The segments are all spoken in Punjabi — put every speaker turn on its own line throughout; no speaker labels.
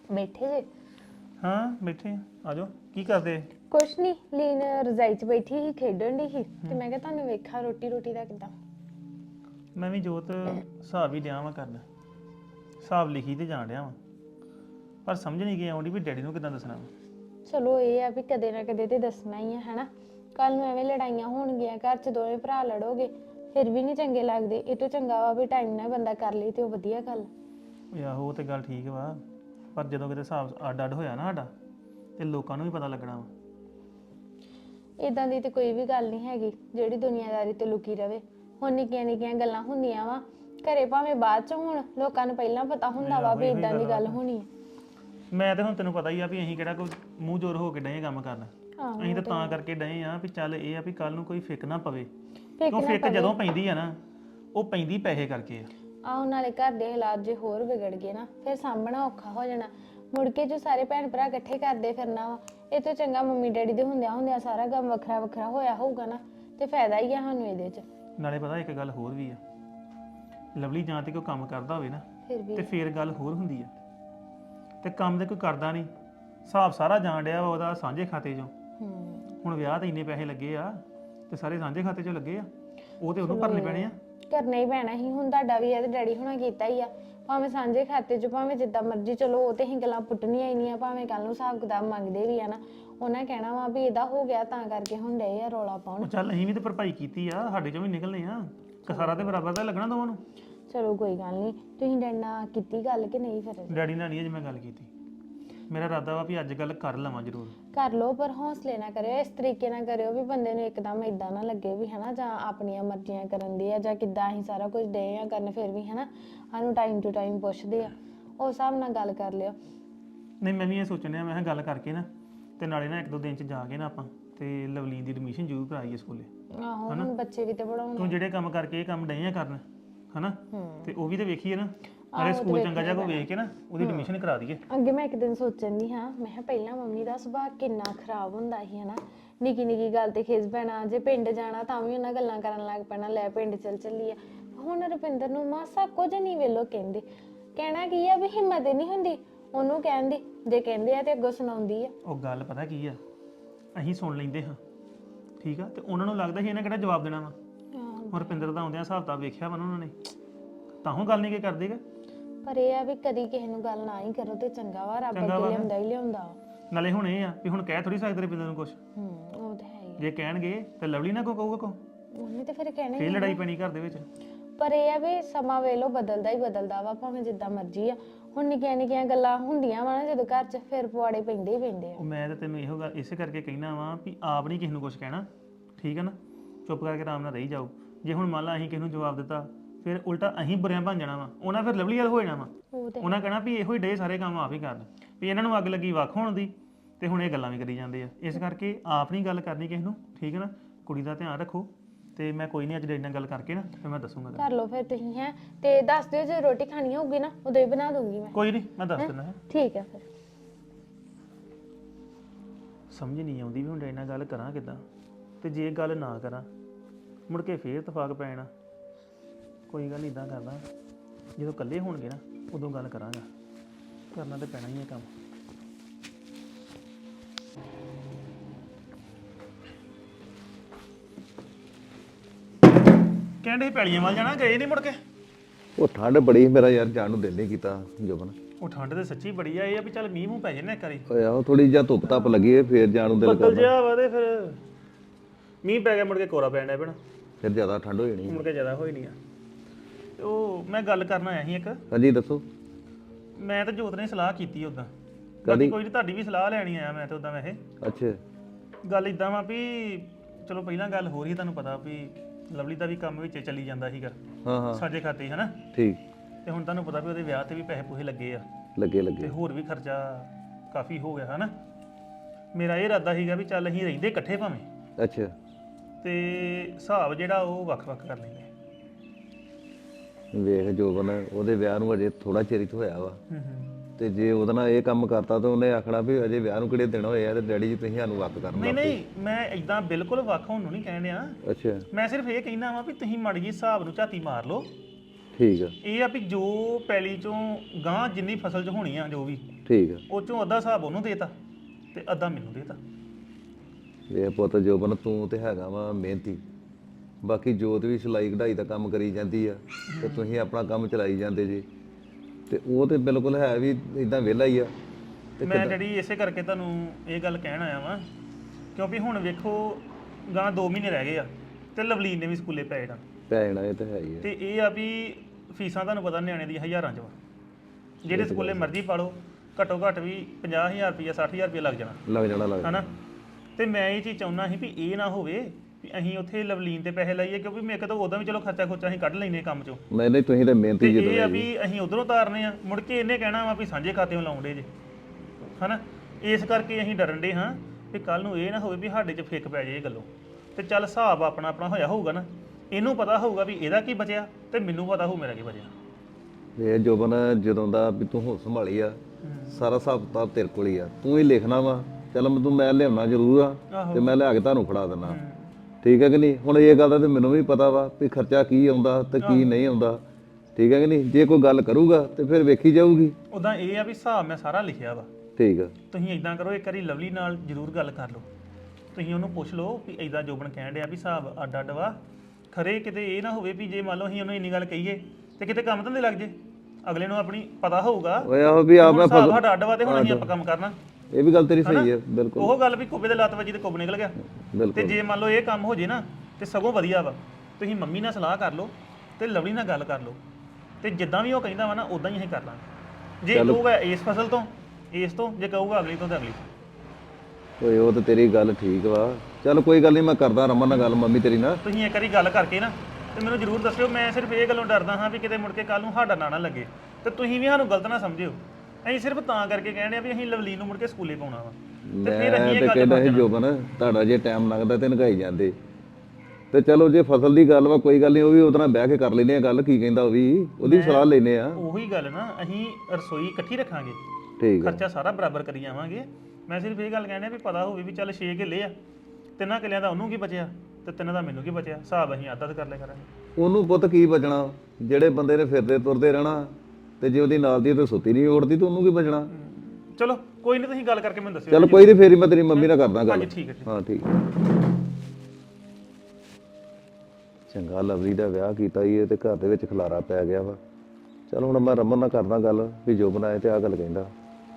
ਬੈਠੇ ਜੇ?
ਹਾਂ ਬੈਠੇ ਆ ਜਾਓ। ਕੀ ਕਰਦੇ?
ਕੁਛ ਨਹੀਂ, ਲੀਨ ਰਜ਼ਾਈ 'ਚ ਬੈਠੀ ਸੀ, ਖੇਡਣ ਦੀ ਸੀ ਤੇ ਮੈਂ ਕਿਹਾ ਤੁਹਾਨੂੰ ਵੇਖਾਂ ਰੋਟੀ ਦਾ ਕਿੱਦਾਂ।
ਮੈਂ ਵੀ ਜੋਤ ਹਿਸਾਬ ਹੀ ਡਿਆ ਵਾਂ ਕਰਨ। ਹਿਸਾਬ ਲਿਖੀ ਤੇ ਜਾਣ ਡਿਆ ਵਾਂ, ਪਰ ਸਮਝ ਨਹੀਂ ਗਈ ਆਉਂਦੀ ਵੀ ਡੈਡੀ ਨੂੰ ਕਿੱਦਾਂ ਦੱਸਣਾ ਵਾ।
ਚਲੋ ਇਹ ਆ ਵੀ ਕਦੇ ਨਾ ਕਦੇ ਤੇ ਦੱਸਣਾ ਹੀ ਆ ਹਨਾ। ਕੱਲ ਨੂੰ ਐਵੇਂ ਲੜਾਈਆਂ ਹੋਣਗੀਆਂ ਘਰ 'ਚ, ਦੋਵੇਂ ਭਰਾ ਲੜੋਗੇ ਫਿਰ ਵੀ ਨਹੀਂ ਚੰਗੇ ਲੱਗਦੇ। ਇਹ ਤੋਂ ਚੰਗਾ ਵਾ ਵੀ ਟਾਈਮ ਨਾਲ ਬੰਦਾ ਕਰ ਲਈ ਤੇ ਉਹ ਵਧੀਆ ਗੱਲ।
ਆਹੋ ਉਹ ਤੇ ਗੱਲ ਠੀਕ ਵਾ, ਪਰ ਜਦੋਂ ਕਿਤੇ ਹਿਸਾਬ ਅੱਡ ਹੋਇਆ ਨਾ ਸਾਡਾ ਤੇ ਲੋਕਾਂ ਨੂੰ ਵੀ ਪਤਾ ਲੱਗਣਾ ਵਾ।
ਇਦਾਂ ਦੀ ਤੇ ਕੋਈ ਵੀ ਗੱਲ ਨਹੀਂ ਹੈਗੀ ਜਿਹੜੀ ਦੁਨੀਆਦਾਰੀ ਤੇ ਲੁਕੀ ਰਵੇ। ਹੁਣ ਨਿੱਕੀਆਂ ਨਿੱਕੀਆਂ ਗੱਲਾਂ ਹੁੰਦੀਆਂ ਵਾ ਘਰੇ, ਭਾਵੇਂ ਬਾਅਦ ਚ ਹੋਣ, ਲੋਕਾਂ ਨੂੰ ਪਹਿਲਾਂ ਪਤਾ ਹੁੰਦਾ ਵਾ ਵੀ ਇਦਾਂ ਦੀ ਗੱਲ ਹੋਣੀ ਹੈ।
ਮੈਂ ਤੇ ਹੁਣ ਤੈਨੂੰ ਪਤਾ ਹੀ ਆ ਵੀ ਅਸੀਂ ਕਿਹੜਾ ਕੋਈ ਮੂੰਹ ਜ਼ੋਰ ਹੋ ਕੇ ਡਏ ਕੰਮ ਕਰਨ। ਅਸੀਂ ਤਾਂ ਕਰਕੇ ਡਏ ਆ ਵੀ ਚੱਲ ਇਹ ਆ ਵੀ ਕੱਲ ਨੂੰ ਕੋਈ ਫਿੱਕ ਨਾ ਪਵੇ। ਕਿਉਂ ਫਿੱਕ ਜਦੋਂ ਪੈਂਦੀ ਆ ਨਾ, ਉਹ ਪੈਂਦੀ ਪੈਸੇ ਕਰਕੇ ਆ।
ਆਹ ਨਾਲੇ ਘਰ ਦੇ ਹਾਲਾਤ ਜੇ ਹੋਰ ਵਿਗੜ ਗਏ ਨਾ ਫਿਰ ਸਾਂਭਣਾ ਔਖਾ ਹੋ ਜਾਣਾ। ਮੁੜ ਕੇ ਜੋ ਸਾਰੇ ਭੈਣ ਭਰਾ ਇਕੱਠੇ ਕਰਦੇ ਫਿਰਨਾ ਵਾ, ਇਹ ਤੋਂ ਚੰਗਾ ਮੰਮੀ ਡੈਡੀ ਦੇ ਹੁੰਦਿਆਂ ਸਾਰਾ ਕੰਮ ਵੱਖਰਾ ਵੱਖਰਾ ਹੋਇਆ ਹੋਊਗਾ ਨਾ, ਤੇ ਫਾਇਦਾ ਹੀ ਆ ਸਾਨੂੰ ਇਹਦੇ 'ਚ।
ਨਾਲੇ ਪਤਾ ਇੱਕ ਗੱਲ ਹੋਰ ਵੀ ਆ, ਲਵਲੀ ਜਾਂ ਤੇ ਕੋਈ ਕੰਮ ਕਰਦਾ ਹੋਵੇ ਨਾ
ਫਿਰ
ਤੇ ਫੇਰ ਗੱਲ ਹੋਰ ਹੁੰਦੀ ਆ, ਤੇ ਕੰਮ ਤੇ ਕੋਈ ਕਰਦਾ ਨਹੀਂ। ਹਿਸਾਬ ਸਾਰਾ ਜਾਣ ਡਿਆ ਵਾ ਉਹਦਾ ਸਾਂਝੇ ਖਾਤੇ 'ਚੋਂ। ਹੁਣ ਵਿਆਹ ਤੇ ਇੰਨੇ ਪੈਸੇ ਲੱਗੇ ਆ ਤੇ ਸਾਰੇ ਸਾਂਝੇ ਖਾਤੇ 'ਚੋਂ ਲੱਗੇ ਆ, ਉਹ ਤੇ ਉਹਨੂੰ ਭਰਨੇ ਪੈਣੇ ਆ।
ਕਰਨਾ ਹੀ ਪੈਣਾ ਹੀ। ਹੁਣ ਤੁਹਾਡਾ ਵੀ ਹੈ ਤੇ ਡੈਡੀ ਹੁਣਾਂ ਕੀਤਾ ਹੀ ਆ, ਭਾਵੇਂ ਸਾਂਝੇ ਖਾਤੇ 'ਚ ਭਾਵੇਂ ਜਿੱਦਾਂ ਮਰਜ਼ੀ। ਚਲੋ ਉਹ ਤੇ ਅਸੀਂ ਗੱਲਾਂ ਪੁੱਟਣੀਆਂ ਹੀ ਨਹੀਂ ਆ, ਭਾਵੇਂ ਕੱਲ ਨੂੰ ਹਿਸਾਬ ਕਿਤਾਬ ਮੰਗਦੇ ਵੀ ਆ ਨਾ, ਉਹਨਾਂ ਕਹਿਣਾ ਵਾ ਵੀ ਇਹਦਾ ਹੋ ਗਿਆ ਤਾਂ ਕਰਕੇ ਹੁਣ ਡਏ ਆ ਰੌਲਾ ਪਾਉਣ।
ਚੱਲ ਅਸੀਂ ਵੀ ਤੇ ਭਰਪਾਈ ਕੀਤੀ ਆ, ਸਾਡੇ 'ਚੋਂ ਵੀ ਨਿਕਲਨੇ ਆ। ਸਾਰਾ ਤੇ ਬਰਾਬਰ ਦਾ ਲੱਗਣਾ ਦੋਵਾਂ ਨੂੰ।
ਚਲੋ ਕੋਈ ਗੱਲ ਨਹੀਂ। ਤੁਸੀਂ ਡੈਡੀ ਨਾਲ ਕੀਤੀ ਗੱਲ ਕਿ ਨਹੀਂ? ਫਿਰ
ਡੈਡੀ ਨਾਲ ਨਹੀਂ ਅਜੇ ਮੈਂ ਗੱਲ ਕੀਤੀ। ਮੇਰਾ ਇਰਾਦਾ ਵਾ ਵੀ ਅੱਜ ਗੱਲ ਕਰ ਲਵਾਂ ਜ਼ਰੂਰ।
ਕਰ ਲਓ, ਪਰ ਹੌਸਲੇ ਨਾ ਕਰਿਓ, ਇਸ ਤਰੀਕੇ ਨਾਲ ਕਰਿਓ ਵੀ ਬੰਦੇ ਨੂੰ ਇੱਕਦਮ ਇਦਾਂ ਨਾ ਲੱਗੇ ਵੀ ਹਨਾ ਜਾਂ ਆਪਣੀਆਂ ਮਰਜ਼ੀਆਂ ਕਰਨ ਦੀ ਆ ਜਾਂ ਕਿੱਦਾਂ ਅਸੀਂ ਸਾਰਾ ਕੁਝ ਡੇ ਆ ਕਰਨ, ਫਿਰ ਵੀ ਹਨਾ ਸਾਨੂੰ ਟਾਈਮ ਟੂ ਟਾਈਮ ਪੁੱਛਦੇ ਆ। ਉਸ ਹਿਸਾਬ ਨਾਲ ਗੱਲ ਕਰ ਲਿਓ।
ਨਹੀਂ ਮੈਂ ਵੀ ਇਹ ਸੋਚਣ ਡਿਆ, ਮੈਂ ਕਿਹਾ ਗੱਲ ਕਰਕੇ ਨਾ ਤੇ ਨਾਲੇ ਨਾ ਇੱਕ ਦੋ ਦਿਨ 'ਚ ਜਾ ਕੇ ਨਾ ਆਪਾਂ ਤੇ ਲਵਲੀਨ ਦੀ ਐਡਮਿਸ਼ਨ ਜ਼ਰੂਰ ਕਰਾਈਏ ਸਕੂਲੇ।
ਆਹੋ ਹੁਣ ਬੱਚੇ ਵੀ ਤੇ ਪੜਾਉਣੇ।
ਤੂੰ ਜਿਹੜੇ ਕੰਮ ਕਰਕੇ ਇਹ ਕੰਮ ਡਏ ਆ ਕਰਨ ਹਨਾ, ਤੇ ਉਹ ਵੀ ਤੇ ਵੇਖੀਏ ਨਾ। ਨਾਲੇ ਸਕੂਲ ਚੰਗਾ ਜਿਹਾ ਕੋ ਵੇਖ ਕੇ ਨਾ ਉਹਦੀ ਐਡਮਿਸ਼ਨ ਕਰਾ ਦਈਏ।
ਅੱਗੇ ਮੈਂ ਇੱਕ ਦਿਨ ਸੋਚਣ ਦੀ ਹਾਂ, ਮੈਂ ਕਿਹਾ ਪਹਿਲਾਂ ਮੰਮੀ ਦਾ ਸੁਭਾਅ ਕਿੰਨਾ ਖਰਾਬ ਹੁੰਦਾ ਸੀ ਹਨਾ, ਨਿੱਕੀ ਨਿੱਕੀ ਗੱਲ ਤੇ ਖਿਝ ਪੈਣਾ। ਜੇ ਪਿੰਡ ਜਾਣਾ ਤਾਂ ਵੀ ਉਹਨਾਂ ਗੱਲਾਂ ਕਰਨ ਲੱਗ ਪੈਣਾ, ਲੈ ਪਿੰਡ ਚੱਲੀਏ। ਹੁਣ ਰੁਪਿੰਦਰ ਨੂੰ ਮਾਸਾ ਕੁਝ ਨਹੀਂ ਵੇਲੋ ਕਹਿੰਦੇ। ਕਹਿਣਾ ਕੀ ਆ ਵੀ ਹਿੰਮਤ ਨਹੀਂ ਹੁੰਦੀ ਉਹਨੂੰ ਕਹਿਣ ਦੀ, ਜੇ ਕਹਿੰਦੇ ਆ ਤੇ ਅੱਗੋਂ ਸੁਣਾਉਂਦੀ ਆ।
ਉਹ ਗੱਲ ਪਤਾ ਕੀ ਆ, ਅਸੀਂ ਸੁਣ ਲੈਂਦੇ ਹਾਂ ਠੀਕ ਆ, ਤੇ ਉਹਨਾਂ ਨੂੰ ਲੱਗਦਾ ਸੀ ਇਹਨੇ ਕਿਹੜਾ ਜਵਾਬ ਦੇਣਾ ਵਾ। ਹੁਣ ਰੁਪਿੰਦਰ ਦਾ ਆਉਂਦਿਆਂ ਹਿਸਾਬ ਤਾਂ ਵੇਖਿਆ ਵਾ ਉਹਨਾਂ ਨੇ, ਤਾਂ ਉਹ ਗੱਲ ਨਹੀਂ ਕਿ ਕਰਦੇਗਾ।
ਪਰ ਇਹ ਆ ਵੀ ਕਦੀ ਕਿਸੇ ਨੂੰ ਗੱਲ ਨਾ ਹੀ ਕਰੋ ਤੇ ਚੰਗਾ ਵਾ, ਰੱਬ ਅੱਗੇ ਲਿਆਉਂਦਾ ਹੀ ਲਿਆਉਂਦਾ।
ਨਾਲੇ ਹੁਣ ਇਹ ਆ ਵੀ ਹੁਣ ਕਹਿ ਥੋੜੀ ਸਕਦੇ ਰੁਪਿੰਦਰ ਨੂੰ ਕੁਝ।
ਉਹ ਤਾਂ ਹੈ ਹੀ।
ਜੇ ਕਹਿਣਗੇ ਤੇ ਲਵਲੀ ਨਾ ਕੋ ਕਹੂਗਾ ਕੋ,
ਉਹਨੇ ਤੇ ਫਿਰ ਕਹਿਣਾ
ਫੇਰ ਲੜਾਈ ਪੈਣੀ ਘਰ ਦੇ ਵਿੱਚ।
ਪਰ ਇਹ ਆ ਵੀ ਸਮਾਂ ਵੇਲੋ ਬਦਲਦਾ ਹੀ ਬਦਲਦਾ ਵਾ, ਭਾਵੇਂ ਜਿੱਦਾਂ ਮਰਜ਼ੀ ਆ। ਹੁਣ ਨਿੱਕੀਆਂ ਨਿੱਕੀਆਂ ਗੱਲਾਂ ਹੁੰਦੀਆਂ ਵਾ ਨਾ ਜਦੋਂ ਘਰ 'ਚ, ਫਿਰ ਪੁਆੜੇ ਪੈਂਦੇ ਹੀ ਪੈਂਦੇ ਆ।
ਮੈਂ ਤਾਂ ਤੈਨੂੰ ਇਹੋ ਗੱਲ ਇਸੇ ਕਰਕੇ ਕਹਿਣਾ ਵਾ ਵੀ ਆਪ ਨਹੀਂ ਕਿਸੇ ਨੂੰ ਕੁਝ ਕਹਿਣਾ, ਠੀਕ ਹੈ ਨਾ। ਚੁੱਪ ਕਰਕੇ ਆਰਾਮ ਨਾਲ ਰਹੀ ਜਾਓ। ਜੇ ਹੁਣ ਮੰਨ ਲਾ ਅਸੀਂ ਕਿਸੇ ਨੂੰ ਜਵਾਬ ਦਿੱਤਾ ਫਿਰ ਉਲਟਾ ਅਸੀਂ ਬੁਰਿਆਂ ਬਣ ਜਾਣਾ ਵਾ, ਉਹਨਾਂ ਫਿਰ ਲਵਲੀ ਵਾਲ ਹੋ ਜਾਣਾ ਵਾ। ਉਹਨਾਂ ਕਹਿਣਾ ਵੀ ਇਹੋ ਹੀ ਡੇ ਸਾਰੇ ਕੰਮ ਆਪ ਹੀ ਕਰਨ, ਵੀ ਇਹਨਾਂ ਨੂੰ ਅੱਗ ਲੱਗੀ ਵੱਖ ਹੋਣ ਦੀ, ਤੇ ਹੁਣ ਇਹ ਗੱਲਾਂ ਵੀ ਕਰੀ ਜਾਂਦੇ ਆ। ਇਸ ਕਰਕੇ ਆਪ ਨਹੀਂ ਗੱਲ ਕਰਨੀ ਕਿਸੇ ਨੂੰ, ਠੀਕ ਹੈ ਨਾ। ਕੁੜੀ ਦਾ ਧਿਆਨ ਰੱਖੋ, ਤੇ ਮੈਂ ਕੋਈ ਨਹੀਂ ਅੱਜ ਡੈਡੀ ਨਾਲ ਗੱਲ ਕਰਕੇ ਨਾ ਫਿਰ ਮੈਂ ਦੱਸੂਗਾ।
ਕਰ ਲਓ ਫਿਰ ਤੁਸੀਂ ਹੈ, ਤੇ ਦੱਸ ਦਿਓ ਜੇ ਰੋਟੀ ਖਾਣੀ ਹੋਊਗੀ ਨਾ ਉਦੋਂ ਹੀ ਬਣਾ ਦੂੰਗੀ ਮੈਂ।
ਕੋਈ ਨਹੀਂ ਮੈਂ ਦੱਸ ਦਿੰਦਾ।
ਠੀਕ ਹੈ ਫਿਰ।
ਸਮਝ ਨਹੀਂ ਆਉਂਦੀ ਵੀ ਹੁਣ ਡੈਡੀ ਨਾਲ ਗੱਲ ਕਰਾਂ ਕਿੱਦਾਂ, ਤੇ ਜੇ ਗੱਲ ਨਾ ਕਰਾਂ ਮੁੜ ਕੇ ਫੇਰ ਇਤਫਾਕ ਪੈ ਜਾਣਾ। ਕੋਈ ਗੱਲ ਇੱਦਾਂ ਕਰਦਾ, ਜਦੋਂ ਇਕੱਲੇ ਹੋਣਗੇ ਨਾ ਉਦੋਂ ਗੱਲ ਕਰਾਂਗਾ। ਕਰਨਾ ਤਾਂ ਪੈਣਾ ਹੀ ਹੈ ਕੰਮ। ਕਹਿੰਦੇ ਪੈਲੀਆਂ ਵੱਲ ਜਾਣਾ, ਗਏ ਨਹੀਂ ਮੁੜ ਕੇ।
ਉਹ ਠੰਡ ਬੜੀ ਮੇਰਾ ਯਾਰ ਜਾਣ ਨੂੰ ਦਿਲ ਨਹੀਂ ਕੀਤਾ ਜੁਬਨ।
ਉਹ ਠੰਡ ਤੇ ਸੱਚੀ ਬੜੀ ਆ, ਇਹ ਆ ਵੀ ਚੱਲ ਮੀਂਹ ਮੂੰਹ ਪੈ ਜਾਏ ਨਾ ਇੱਕ ਵਾਰੀ।
ਓਏ ਆਹੋ ਥੋੜੀ ਜਿਹਾ ਧੁੱਪ ਧੱਪ ਲੱਗੀ ਫੇਰ ਜਾਣ ਨੂੰ ਦਿਲ
ਬੱਦਲ
ਕਰਦਾ।
ਜਿਹਾ ਵਾ ਤੇ ਫਿਰ ਮੀਂਹ ਪੈ ਗਿਆ ਮੁੜ ਕੇ ਕੋਰਾ ਪੈਣ ਡਿਆ ਪੈਣਾ,
ਫਿਰ ਜ਼ਿਆਦਾ ਠੰਡ ਹੋ ਜਾਣੀ।
ਮੁੜ ਕੇ ਜ਼ਿਆਦਾ ਹੋਈ ਨਹੀਂ ਆ। ਤੇ ਉਹ ਮੈਂ ਗੱਲ ਕਰਨ ਆਇਆ ਸੀ ਇੱਕ।
ਹਾਂਜੀ ਦੱਸੋ।
ਮੈਂ ਤਾਂ ਜੋਤ ਨੇ ਸਲਾਹ ਕੀਤੀ ਉਦਾਂ, ਬਾਕੀ ਕੋਈ ਨਹੀਂ, ਤੁਹਾਡੀ ਵੀ ਸਲਾਹ ਲੈਣੀ ਆਇਆ ਮੈਂ ਤਾਂ ਉਦਾਂ। ਵੈਸੇ
ਅੱਛਾ
ਗੱਲ ਇਦਾਂ ਵਾ ਵੀ ਚਲੋ ਪਹਿਲਾਂ ਗੱਲ ਹੋ ਰਹੀ, ਤੁਹਾਨੂੰ ਪਤਾ ਵੀ ਲਵਲੀ ਦਾ ਵੀ ਕੰਮ ਵਿੱਚ ਚੱਲੀ ਜਾਂਦਾ ਸੀਗਾ।
ਹਾਂ ਹਾਂ
ਸਾਡੇ ਖਾਤੇ ਹਨਾ।
ਠੀਕ।
ਤੇ ਹੁਣ ਤੁਹਾਨੂੰ ਪਤਾ ਵੀ ਉਹਦੇ ਵਿਆਹ ਤੇ ਵੀ ਪੈਸੇ ਪੂਸੇ ਲੱਗੇ ਆ,
ਲੱਗੇ
ਤੇ ਹੋਰ ਵੀ ਖਰਚਾ ਕਾਫੀ ਹੋ ਗਿਆ ਹਨਾ। ਮੇਰਾ ਇਹ ਇਰਾਦਾ ਸੀਗਾ ਵੀ ਚੱਲ ਅਸੀਂ ਰਹਿੰਦੇ ਇਕੱਠੇ ਭਾਵੇਂ,
ਅੱਛਾ
ਤੇ ਹਿਸਾਬ ਜਿਹੜਾ ਉਹ ਵੱਖ-ਵੱਖ ਕਰ ਲੈਂਦੇ।
ਵੇਖ ਜੋਬਨ ਉਹਦੇ ਵਿਆਹ ਨੂੰ ਅਜੇ ਥੋੜਾ ਚਿਰ ਹੀ ਹੋਇਆ ਵਾ,
ਹੂੰ।
ਤੇ ਜੇ ਉਹਦੇ ਨਾਲ ਇਹ ਕੰਮ ਕਰਤਾ ਤਾਂ ਉਹਨੇ ਆਖਣਾ ਵੀ ਅਜੇ ਵਿਆਹ ਨੂੰ ਕਿਹੜੇ ਦਿਨ ਹੋਏ ਆ ਤੇ ਡੈਡੀ ਜੀ ਤੁਸੀਂ ਸਾਨੂੰ ਵੱਖ ਕਰਨਾ।
ਨਹੀਂ ਮੈਂ ਇਦਾਂ ਬਿਲਕੁਲ ਵੱਖ ਹੋਣ ਨੂੰ ਨਹੀਂ ਕਹਿਣ ਡਿਆ।
ਅੱਛਾ
ਮੈਂ ਸਿਰਫ ਇਹ ਕਹਿਣਾ ਵਾ ਵੀ ਤੁਸੀਂ ਮਾੜੀ ਜਿਹੀ ਹਿਸਾਬ ਨੂੰ ਝਾਤੀ ਮਾਰ ਲਓ,
ਠੀਕ ਆ
ਇਹ ਆ ਵੀ ਜੋ ਪੈਲੀ ਚੋਂ ਗਾਂ ਜਿੰਨੀ ਫਸਲ ਚ ਹੋਣੀ ਆ ਜੋ ਵੀ
ਠੀਕ ਆ।
ਉਹ ਚੋਂ ਅੱਧਾ ਹਿਸਾਬ ਉਹਨੂੰ ਦੇਤਾ ਤੇ ਅੱਧਾ ਮੈਨੂੰ ਦੇਤਾ।
ਇਹ ਪੁੱਤ ਜੋਬਨ ਤੂੰ ਤੇ ਹੈਗਾ ਵਾ ਮਿਹਨਤੀ, ਬਾਕੀ ਜੋਤ ਵੀ ਸਿਲਾਈ ਕਢਾਈ ਦਾ ਕੰਮ ਕਰੀ ਜਾਂਦੀ ਆ ਤੇ ਤੁਸੀਂ ਆਪਣਾ ਕੰਮ ਚਲਾਈ ਜਾਂਦੇ ਜੀ, ਤੇ ਉਹ ਤੇ ਬਿਲਕੁਲ ਹੈ ਵੀ ਇਦਾਂ ਵਿਹਲਾ ਹੀ ਆ। ਤੇ
ਮੈਂ ਡੈਡੀ ਇਸੇ ਕਰਕੇ ਤੁਹਾਨੂੰ ਇਹ ਗੱਲ ਕਹਿਣ ਆਇਆ ਵਾਂ, ਕਿਉਂਕਿ ਹੁਣ ਵੇਖੋ ਗਾਂ 2 ਮਹੀਨੇ ਰਹਿ ਗਏ ਆ ਤੇ ਲਵਲੀਨ ਨੇ ਵੀ ਸਕੂਲੇ ਪੈ ਜਾਣਾ।
ਪੈ ਜਾਣਾ, ਇਹ ਤਾਂ ਹੈ ਹੀ ਆ।
ਤੇ ਇਹ ਆ ਵੀ ਫੀਸਾਂ ਤੁਹਾਨੂੰ ਪਤਾ ਨਿਆਣੇ ਦੀਆਂ ਹਜ਼ਾਰਾਂ ਚ ਵਾ, ਜਿਹੜੇ ਸਕੂਲੇ ਮਰਜ਼ੀ ਪਾੜੋ ਘੱਟੋ ਘੱਟ ਵੀ 50,000 ਰੁਪਇਆ 60,000 ਰੁਪਇਆ ਲੱਗ ਜਾਣਾ ਹਨਾ। ਤੇ ਮੈਂ ਇਹ ਚੀਜ਼ ਚਾਹੁੰਦਾ ਸੀ ਵੀ ਇਹ ਨਾ ਹੋਵੇ ਵੀ ਅਸੀਂ ਉੱਥੇ ਲਵਲੀਨ ਤੇ ਪੈਸੇ ਲਾਈਏ, ਕਿਉਂਕਿ ਮੇਰੇ ਕੋਲ ਉਦੋਂ ਵੀ ਚਲੋ ਖਰਚਾ ਖੁਰਚਾ ਅਸੀਂ ਕੱਢ ਲੈਨੇ ਕੰਮ ਚੋਂ।
ਨਹੀਂ ਤੁਸੀਂ ਤਾਂ ਮਿਹਨਤੀ
ਤੇ
ਜੀ
ਇਹ ਆ ਵੀ ਅਸੀਂ ਉਧਰੋਂ ਤਾਰਨੇ ਆ, ਮੁੜ ਕੇ ਇਹਨੇ ਕਹਿਣਾ ਵਾ ਵੀ ਸਾਂਝੇ ਖਾਤੇੋਂ ਲਾਉਂਦੇ ਜੇ ਹਨਾ। ਇਸ ਕਰਕੇ ਅਸੀਂ ਡਰਨ ਦੇ ਹਾਂ ਵੀ ਕੱਲ ਨੂੰ ਇਹ ਨਾ ਹੋਵੇ ਵੀ ਸਾਡੇ 'ਚ ਫਿੱਕ ਪੈ ਜੇ ਇਹ ਗੱਲੋਂ। ਤੇ ਚੱਲ ਹਿਸਾਬ ਆਪਣਾ ਆਪਣਾ ਹੋਇਆ ਹੋਊਗਾ ਨਾ, ਇਹਨੂੰ ਪਤਾ ਹੋਊਗਾ ਵੀ ਇਹਦਾ ਕੀ ਬਚਿਆ ਤੇ ਮੈਨੂੰ ਪਤਾ ਹੋਊ ਮੇਰਾ ਕੀ ਬਚਿਆ।
ਇਹ ਜੋਬਨ ਜਦੋਂ ਦਾ ਵੀ ਤੂੰ ਹੋਸ਼ ਸੰਭਾਲੀ ਆ, ਸਾਰਾ ਹਿਸਾਬ ਕਿਤਾਬ ਤੇਰੇ ਕੋਲ ਹੀ ਆ, ਤੂੰ ਹੀ ਲਿਖਣਾ ਵਾ। ਚੱਲ ਮੈਂ ਲਿਆਉਣਾ ਜ਼ਰੂਰ ਆ ਤੇ ਮੈਂ ਲਿਆ ਕੇ ਤੁਹਾਨੂੰ ਫੜਾ ਦਿੰਦਾ, ਠੀਕ ਹੈ ਕਿ ਨਹੀਂ। ਹੁਣ ਇਹ ਗੱਲ ਦਾ ਤੇ ਮੈਨੂੰ ਵੀ ਪਤਾ ਵਾ ਵੀ ਖਰਚਾ ਕੀ ਆਉਂਦਾ ਤੇ ਕੀ ਨਹੀਂ ਆਉਂਦਾ, ਠੀਕ ਹੈ ਕਿ ਨਹੀਂ। ਜੇ ਕੋਈ ਗੱਲ ਕਰੂਗਾ ਤੇ ਫਿਰ ਵੇਖੀ ਜਾਊਗੀ।
ਉਦਾਂ ਇਹ ਆ ਵੀ ਹਿਸਾਬ ਮੈਂ ਸਾਰਾ ਲਿਖਿਆ ਵਾ।
ਠੀਕ ਆ,
ਤੁਸੀਂ ਇਦਾਂ ਕਰੋ, ਇੱਕ ਵਾਰੀ ਲਵਲੀ ਨਾਲ ਜ਼ਰੂਰ ਗੱਲ ਕਰ ਲਓ, ਤੁਸੀਂ ਉਹਨੂੰ ਪੁੱਛ ਲਓ ਵੀ ਇਦਾਂ ਜੋਬਨ ਕਹਿਣ ਡਿਆ ਵੀ ਹਿਸਾਬ ਅੱਡ ਅੱਡ ਵਾ, ਖਰੇ ਕਿਤੇ ਇਹ ਨਾ ਹੋਵੇ ਵੀ ਜੇ ਮੰਨ ਲਓ ਅਸੀਂ ਉਹਨੂੰ ਇੰਨੀ ਗੱਲ ਕਹੀਏ ਤੇ ਕਿਤੇ ਕੰਮ ਧੰਦੇ ਲੱਗ ਜੇ, ਅਗਲੇ ਨੂੰ ਆਪਣੀ ਪਤਾ ਹੋਊਗਾ
ਓਏ ਆਹੋ ਵੀ ਆਪ ਮੈਂ
ਹਿਸਾਬ ਸਾਡਾ ਅੱਡ ਵਾ ਤੇ ਹੁਣ ਅਸੀਂ ਆਪਾਂ ਕੰਮ ਕਰਨਾ।
ਇਹ ਵੀ ਗੱਲ ਤੇਰੀ ਸਹੀ ਹੈ ਬਿਲਕੁਲ।
ਉਹ ਗੱਲ ਵੀ ਕੁੱਬੇ ਦੇ ਲੱਤ ਵੱਜੀ ਤੇ ਕੁੱਬ ਨਿਕਲ ਗਿਆ। ਤੇ
ਬਿਲਕੁਲ
ਜੇ ਮੰਨ ਲਓ ਇਹ ਕੰਮ ਹੋ ਜੇ ਨਾ ਤੇ ਸਗੋਂ ਵਧੀਆ ਵਾ, ਤੁਸੀਂ ਮੰਮੀ ਨਾਲ ਸਲਾਹ ਕਰ ਲਓ ਤੇ ਲਵਲੀ ਨਾਲ ਗੱਲ ਕਰ ਲਓ, ਤੇ ਜਿੱਦਾਂ ਵੀ ਉਹ ਕਹਿੰਦਾ ਵਾ ਨਾ ਉਦਾਂ ਹੀ ਅਸੀਂ ਕਰ ਲਾਂਗੇ। ਜੇ ਕਹੂਗਾ ਇਸ ਫਸਲ ਤੋਂ ਇਸ ਤੋਂ, ਜੇ ਕਹੂਗਾ ਅਗਲੀ ਤੋਂ ਤੇ ਅਗਲੀ ਤੋਂ।
ਓਏ ਉਹ ਤੇ ਤੇਰੀ ਗੱਲ ਠੀਕ ਵਾ। ਚੱਲ ਕੋਈ ਗੱਲ ਨਹੀਂ, ਮੈਂ ਕਰਦਾ ਰਮਨ ਨਾਲ ਗੱਲ ਮੰਮੀ ਤੇਰੀ ਨਾਲ।
ਤੁਸੀਂ ਇੱਕ ਵਾਰੀ ਗੱਲ ਕਰਕੇ ਨਾ ਤੇ ਮੈਨੂੰ ਜ਼ਰੂਰ ਦੱਸਿਓ। ਮੈਂ ਸਿਰਫ ਇਹ ਗੱਲੋਂ ਡਰਦਾ ਹਾਂ ਵੀ ਕਿਤੇ ਮੁੜ ਕੇ ਕੱਲ ਨੂੰ ਸਾਡਾ ਨਾਂ ਨਾ ਲੱਗੇ ਤੇ ਤੁਸੀਂ ਵੀ ਸਾਨੂੰ ਗਲਤ ਨਾ ਸਮਝਿਓ। ਅਸੀਂ ਸਿਰਫ ਤਾਂ ਕਰਕੇ ਕਹਿੰਦੇ ਆ ਵੀ ਅਸੀਂ ਲਵਲੀਨ ਨੂੰ ਮੁੜ ਕੇ ਸਕੂਲੇ ਪਾਉਣਾ ਵਾ, ਤੇ ਫਿਰ ਅਸੀਂ
ਮੈਂ
ਇਹ
ਤੇ
ਗੱਲ
ਕਹਿੰਦਾ ਸੀ ਜੋਬਨ ਤੁਹਾਡਾ ਜੇ ਟਾਈਮ ਲੱਗਦਾ ਤੇ ਨਗਾਈ ਜਾਂਦੇ। ਤੇ ਚਲੋ ਜੇ ਫਸਲ ਦੀ ਗੱਲ ਵਾ ਕੋਈ ਗੱਲ ਨਹੀਂ, ਉਹ ਵੀ ਉਹਦੇ ਨਾਲ ਬਹਿ ਕੇ ਕਰ ਲੈਨੇ ਆ ਗੱਲ, ਕੀ ਕਹਿੰਦਾ ਉਹ ਵੀ ਉਹਦੀ ਸਲਾਹ ਲੈਨੇ ਆ।
ਉਹੀ ਗੱਲ ਨਾ, ਅਸੀਂ ਰਸੋਈ ਇਕੱਠੀ ਰੱਖਾਂਗੇ,
ਠੀਕ ਆ,
ਖਰਚਾ ਸਾਰਾ ਬਰਾਬਰ ਕਰੀ ਜਾਵਾਂਗੇ। ਮੈਂ ਸਿਰਫ ਇਹ ਗੱਲ ਕਹਿੰਦਾ ਵੀ ਪਤਾ ਹੋਵੇ ਵੀ ਚੱਲ 6 ਕਿੱਲੇ ਆ, 3 ਕਿੱਲਿਆਂ ਦਾ ਉਹਨੂੰ ਕੀ ਬਚਿਆ ਤੇ 3 ਦਾ ਮੈਨੂੰ ਕੀ ਬਚਿਆ, ਹਿਸਾਬ ਅਸੀਂ ਅੱਧ ਕਰ ਲਿਆ ਕਰਾਂਗੇ।
ਉਹਨੂੰ ਪੁੱਤ ਕੀ ਬਚਣਾ, ਜਿਹੜੇ ਬੰਦੇ ਨੇ ਫਿਰਦੇ ਤੁਰਦੇ ਰਹਿਣਾ, ਤੇ ਜੇ ਉਹਦੀ ਨਾਲ ਦੀ ਤੇ ਸੁੱਤੀ ਨਹੀਂ ਉੜਦੀ ਤੇ ਉਹਨੂੰ ਕੀ ਬਚਣਾ।
ਚਲੋ ਕੋਈ ਨਹੀਂ, ਤੁਸੀਂ ਗੱਲ ਕਰਕੇ ਮੈਨੂੰ ਦੱਸਿਓ।
ਚੱਲ ਕੋਈ ਨਹੀਂ, ਫੇਰ ਹੀ ਮੈਂ ਤੇਰੀ ਮੰਮੀ ਨਾਲ ਕਰਦਾ ਗੱਲ।
ਠੀਕ ਹੈ।
ਹਾਂ ਠੀਕ ਹੈ। ਚੰਗਾ ਲਵਲੀ ਦਾ ਵਿਆਹ ਕੀਤਾ ਹੀ ਇਹ ਤੇ ਘਰ ਦੇ ਵਿੱਚ ਖਲਾਰਾ ਪੈ ਗਿਆ ਵਾ। ਚਲ ਹੁਣ ਮੈਂ ਰਮਨ ਨਾਲ ਕਰਦਾ ਗੱਲ ਵੀ ਜੋ ਬਣਾਏ ਤੇ ਆ ਗੱਲ ਕਹਿੰਦਾ।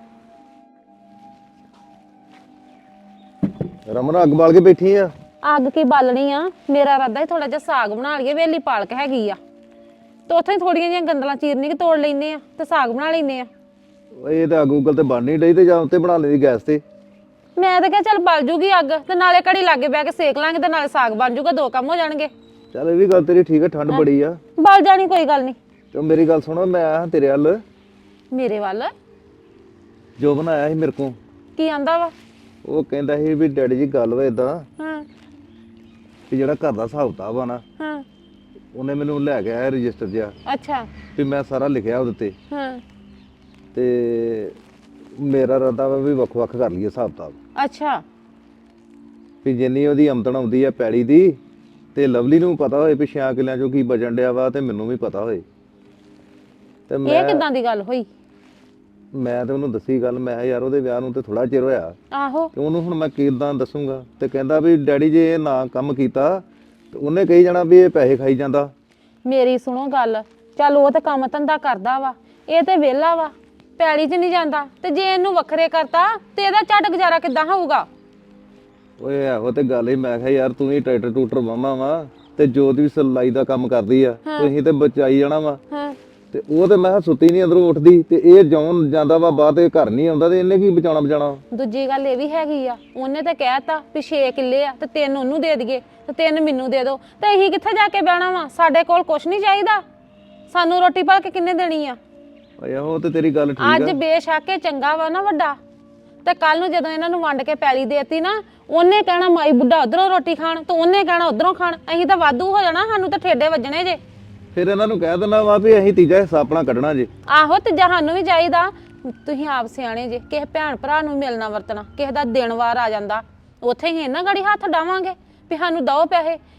ਰਮਨ ਅੱਗ ਬਾਲ ਕੇ ਬੈਠੀ ਆ?
ਅੱਗ ਕੀ ਬਾਲਣੀ ਆ, ਮੇਰਾ ਇਰਾਦਾ ਹੀ ਥੋੜਾ ਜਿਹਾ ਸਾਗ ਬਣਾ ਲਈਏ, ਵੇਲੀ ਪਾਲਕ ਹੈਗੀ ਆ ਤੇ ਉੱਥੇ ਥੋੜੀਆਂ ਜਿਹੀਆਂ ਗੰਦਲਾਂ ਚੀਰਨੀ ਕਿ ਤੋੜ ਲੈਨੇ ਆ ਤੇ ਸਾਗ ਬਣਾ ਲੈਨੇ ਆ।
ਇਹ ਤਾਂ ਅੱਗ ਉੱਗਲ ਤੇ ਬਣ ਨਹੀਂ ਡਈ ਤੇ ਜਾਂ ਉੱਤੇ ਬਣਾ ਲੈਂਦੀ ਗੈਸ ਤੇ।
ਮੈਂ ਤਾਂ ਕਿਹਾ ਚੱਲ ਬਲ ਜੂਗੀ ਅੱਗ ਤੇ ਨਾਲੇ ਘੜੀ ਲਾਗੇ ਬਹਿ ਕੇ ਸੇਕ ਲਾਂਗੇ ਤੇ ਨਾਲੇ ਸਾਗ ਬਣ ਜੂਗਾ, 2 ਕੰਮ ਹੋ ਜਾਣਗੇ।
ਚੱਲ ਇਹ ਵੀ ਗੱਲ ਤੇਰੀ ਠੀਕ ਹੈ, ਠੰਡ ਬੜੀ ਆ।
ਬਲ ਜਾਣੀ ਕੋਈ ਗੱਲ ਨਹੀਂ।
ਤੇ ਮੇਰੀ ਗੱਲ ਸੁਣੋ, ਮੈਂ ਆਇਆ ਤੇਰੇ ਵੱਲ।
ਮੇਰੇ ਵੱਲ
ਜੋ ਬਣਾਇਆ ਸੀ ਮੇਰੇ ਕੋਲ,
ਕੀ ਆਂਦਾ ਵਾ?
ਉਹ ਕਹਿੰਦਾ ਸੀ ਵੀ ਡੈਡੀ ਜੀ ਗੱਲ ਵਾ ਏਦਾਂ
ਹਾਂ
ਵੀ ਜਿਹੜਾ ਘਰ ਦਾ ਹਿਸਾਬ ਕਿਤਾਬ ਆ ਨਾ,
ਹਾਂ
ਉਹਨੇ ਮੈਨੂੰ ਲੈ ਕੇ ਆਇਆ ਰਜਿਸਟਰ ਜਿਹਾ
ਅੱਛਾ
ਵੀ ਮੈਂ ਸਾਰਾ ਲਿਖਿਆ ਉਹਦੇ ਤੇ,
ਹਾਂ
ਤੇ ਮੇਰਾ ਇਰਾਦਾ ਵਾ ਵੀ ਵੱਖ-ਵੱਖ ਕਰ ਲਈਏ ਹਿਸਾਬ ਕਿਤਾਬ,
ਅੱਛਾ
ਵੀ ਜਿੰਨੀ ਉਹਦੀ ਆਮਦਨ ਆਉਂਦੀ ਆ ਪੈੜੀ ਦੀ ਤੇ ਲਵਲੀ ਨੂੰ ਪਤਾ ਹੋਏ ਵੀ 6 ਕਿੱਲਿਆਂ ਚੋਂ ਕੀ ਬਚਣ ਡਿਆ ਵਾ ਤੇ ਮੈਨੂੰ ਵੀ ਪਤਾ ਹੋਏ। ਤੇ
ਇਹ ਕਿਦਾਂ ਦੀ ਗੱਲ ਹੋਈ?
ਮੈਂ ਤੇ ਉਹਨੂੰ ਦੱਸੀ ਗੱਲ, ਮੈਂ ਕਿਹਾ ਯਾਰ ਉਹਦੇ ਵਿਆਹ ਨੂੰ ਤੇ ਥੋੜਾ ਚਿਰ ਹੋਇਆ
ਆਹੋ
ਤੇ ਉਹਨੂੰ ਹੁਣ ਮੈਂ ਕਿੱਦਾਂ ਦੱਸੂਗਾ। ਤੇ ਕਹਿੰਦਾ ਵੀ ਡੈਡੀ ਜੇ ਇਹ ਨਾ ਕੰਮ ਕੀਤਾ ਤੇ ਉਹਨੇ ਕਹੀ ਜਾਣਾ ਵੀ ਇਹ ਪੈਸੇ ਖਾਈ ਜਾਂਦਾ।
ਮੇਰੀ ਸੁਣੋ ਗੱਲ, ਚੱਲ ਉਹ ਤੇ ਕੰਮ ਧੰਦਾ ਕਰਦਾ ਵਾ, ਇਹ ਤੇ ਵਿਹਲਾ ਵਾ, ਪੈਲੀ 'ਚ ਨਹੀਂ ਜਾਂਦਾ, ਤੇ ਜੇ ਇਹਨੂੰ ਵੱਖਰੇ ਕਰਤਾ ਤੇ ਇਹਦਾ ਝੱਟ ਗੁਜ਼ਾਰਾ ਕਿੱਦਾਂ ਹੋਊਗਾ?
ਓਏ ਇਹੋ ਤੇ ਗੱਲ ਹੀ, ਮੈਂ ਕਿਹਾ ਯਾਰ ਤੂੰ ਵੀ ਟਰੈਕਟਰ ਟੂਟਰ ਵਾਹਵਾ ਵਾ ਤੇ ਜੋਤ ਵੀ ਸਿਲਾਈ ਦਾ ਕੰਮ ਕਰਦੀ ਆ, ਤੁਸੀਂ ਤੇ ਬਚਾਈ ਜਾਣਾ ਵਾ।
ਹਾਂ
ਤੇ ਉਹ ਤੇ ਮੈਂ ਕਿਹਾ ਸੁੱਤੀ ਨਹੀਂ ਅੰਦਰੋਂ ਉੱਠਦੀ, ਤੇ ਇਹ ਜੌਨ ਜਾਂਦਾ ਵਾ ਬਾਹਰ ਤੇ ਘਰ ਨਹੀਂ ਆਉਂਦਾ, ਤੇ ਇਹਨੇ ਕੀ ਬਚਾਉਣਾ।
ਦੂਜੀ ਗੱਲ ਇਹ ਵੀ ਹੈਗੀ ਆ, ਉਹਨੇ ਤੇ ਕਹਿਤਾ ਵੀ 6 ਕਿੱਲੇ ਆ ਤੇ 3 ਉਹਨੂੰ ਦੇ ਦਈਏ ਤੇ 3 ਮੈਨੂੰ ਦੇ ਦਿਓ, ਤੇ ਅਸੀਂ ਕਿੱਥੇ ਜਾ ਕੇ ਬਹਿਣਾ ਵਾ? ਸਾਡੇ ਕੋਲ ਕੁਛ ਨਹੀਂ ਚਾਹੀਦਾ, ਸਾਨੂੰ ਰੋਟੀ ਪਾ ਕੇ ਕਿੰਨੇ ਦੇਣੀ ਆ?
ਓਏ ਉਹ ਤੇ ਤੇਰੀ ਗੱਲ ਠੀਕ
ਅੱਜ
ਆ।
ਬੇਸ਼ੱਕ ਇਹ ਚੰਗਾ ਵਾ ਨਾ ਵੱਡਾ, ਤੇ ਕੱਲ ਨੂੰ ਜਦੋਂ ਇਹਨਾਂ ਨੂੰ ਵੰਡ ਕੇ ਪੈਲੀ ਦੇਤੀ ਨਾ, ਉਹਨੇ ਕਹਿਣਾ ਮਾਈ ਬੁੱਢਾ ਉਧਰੋਂ ਰੋਟੀ ਖਾਣ ਤੇ ਉਹਨੇ ਕਹਿਣਾ ਉਧਰੋਂ ਖਾਣ, ਅਸੀਂ ਤਾਂ ਵਾਧੂ ਹੋ ਜਾਣਾ, ਸਾਨੂੰ ਤਾਂ ਠੇਡੇ ਵੱਜਣੇ ਜੇ।
ਫਿਰ ਇਹਨਾਂ ਨੂੰ ਕਹਿ ਦੇਣਾ ਵਾ ਵੀ ਅਸੀਂ ਤੀਜਾ ਹਿੱਸਾ ਆਪਣਾ ਕੱਢਣਾ ਜੇ।
ਆਹੋ ਤੇ ਸਾਨੂੰ ਵੀ ਚਾਹੀਦਾ। ਤੁਸੀਂ ਆਪ ਸਿਆਣੇ ਜੇ, ਕਿਸੇ ਭੈਣ ਭਰਾ ਨੂੰ ਮਿਲਣਾ ਵਰਤਣਾ, ਕਿਸੇ ਦਾ ਦਿਨ ਵਾਰ ਆ ਜਾਂਦਾ, ਉੱਥੇ ਹੀ ਇਹਨਾਂ ਗਾੜੀ ਹੱਥ ਡਾਵਾਂਗੇ ਵੀ ਸਾਨੂੰ ਦਓ ਪੈਸੇ।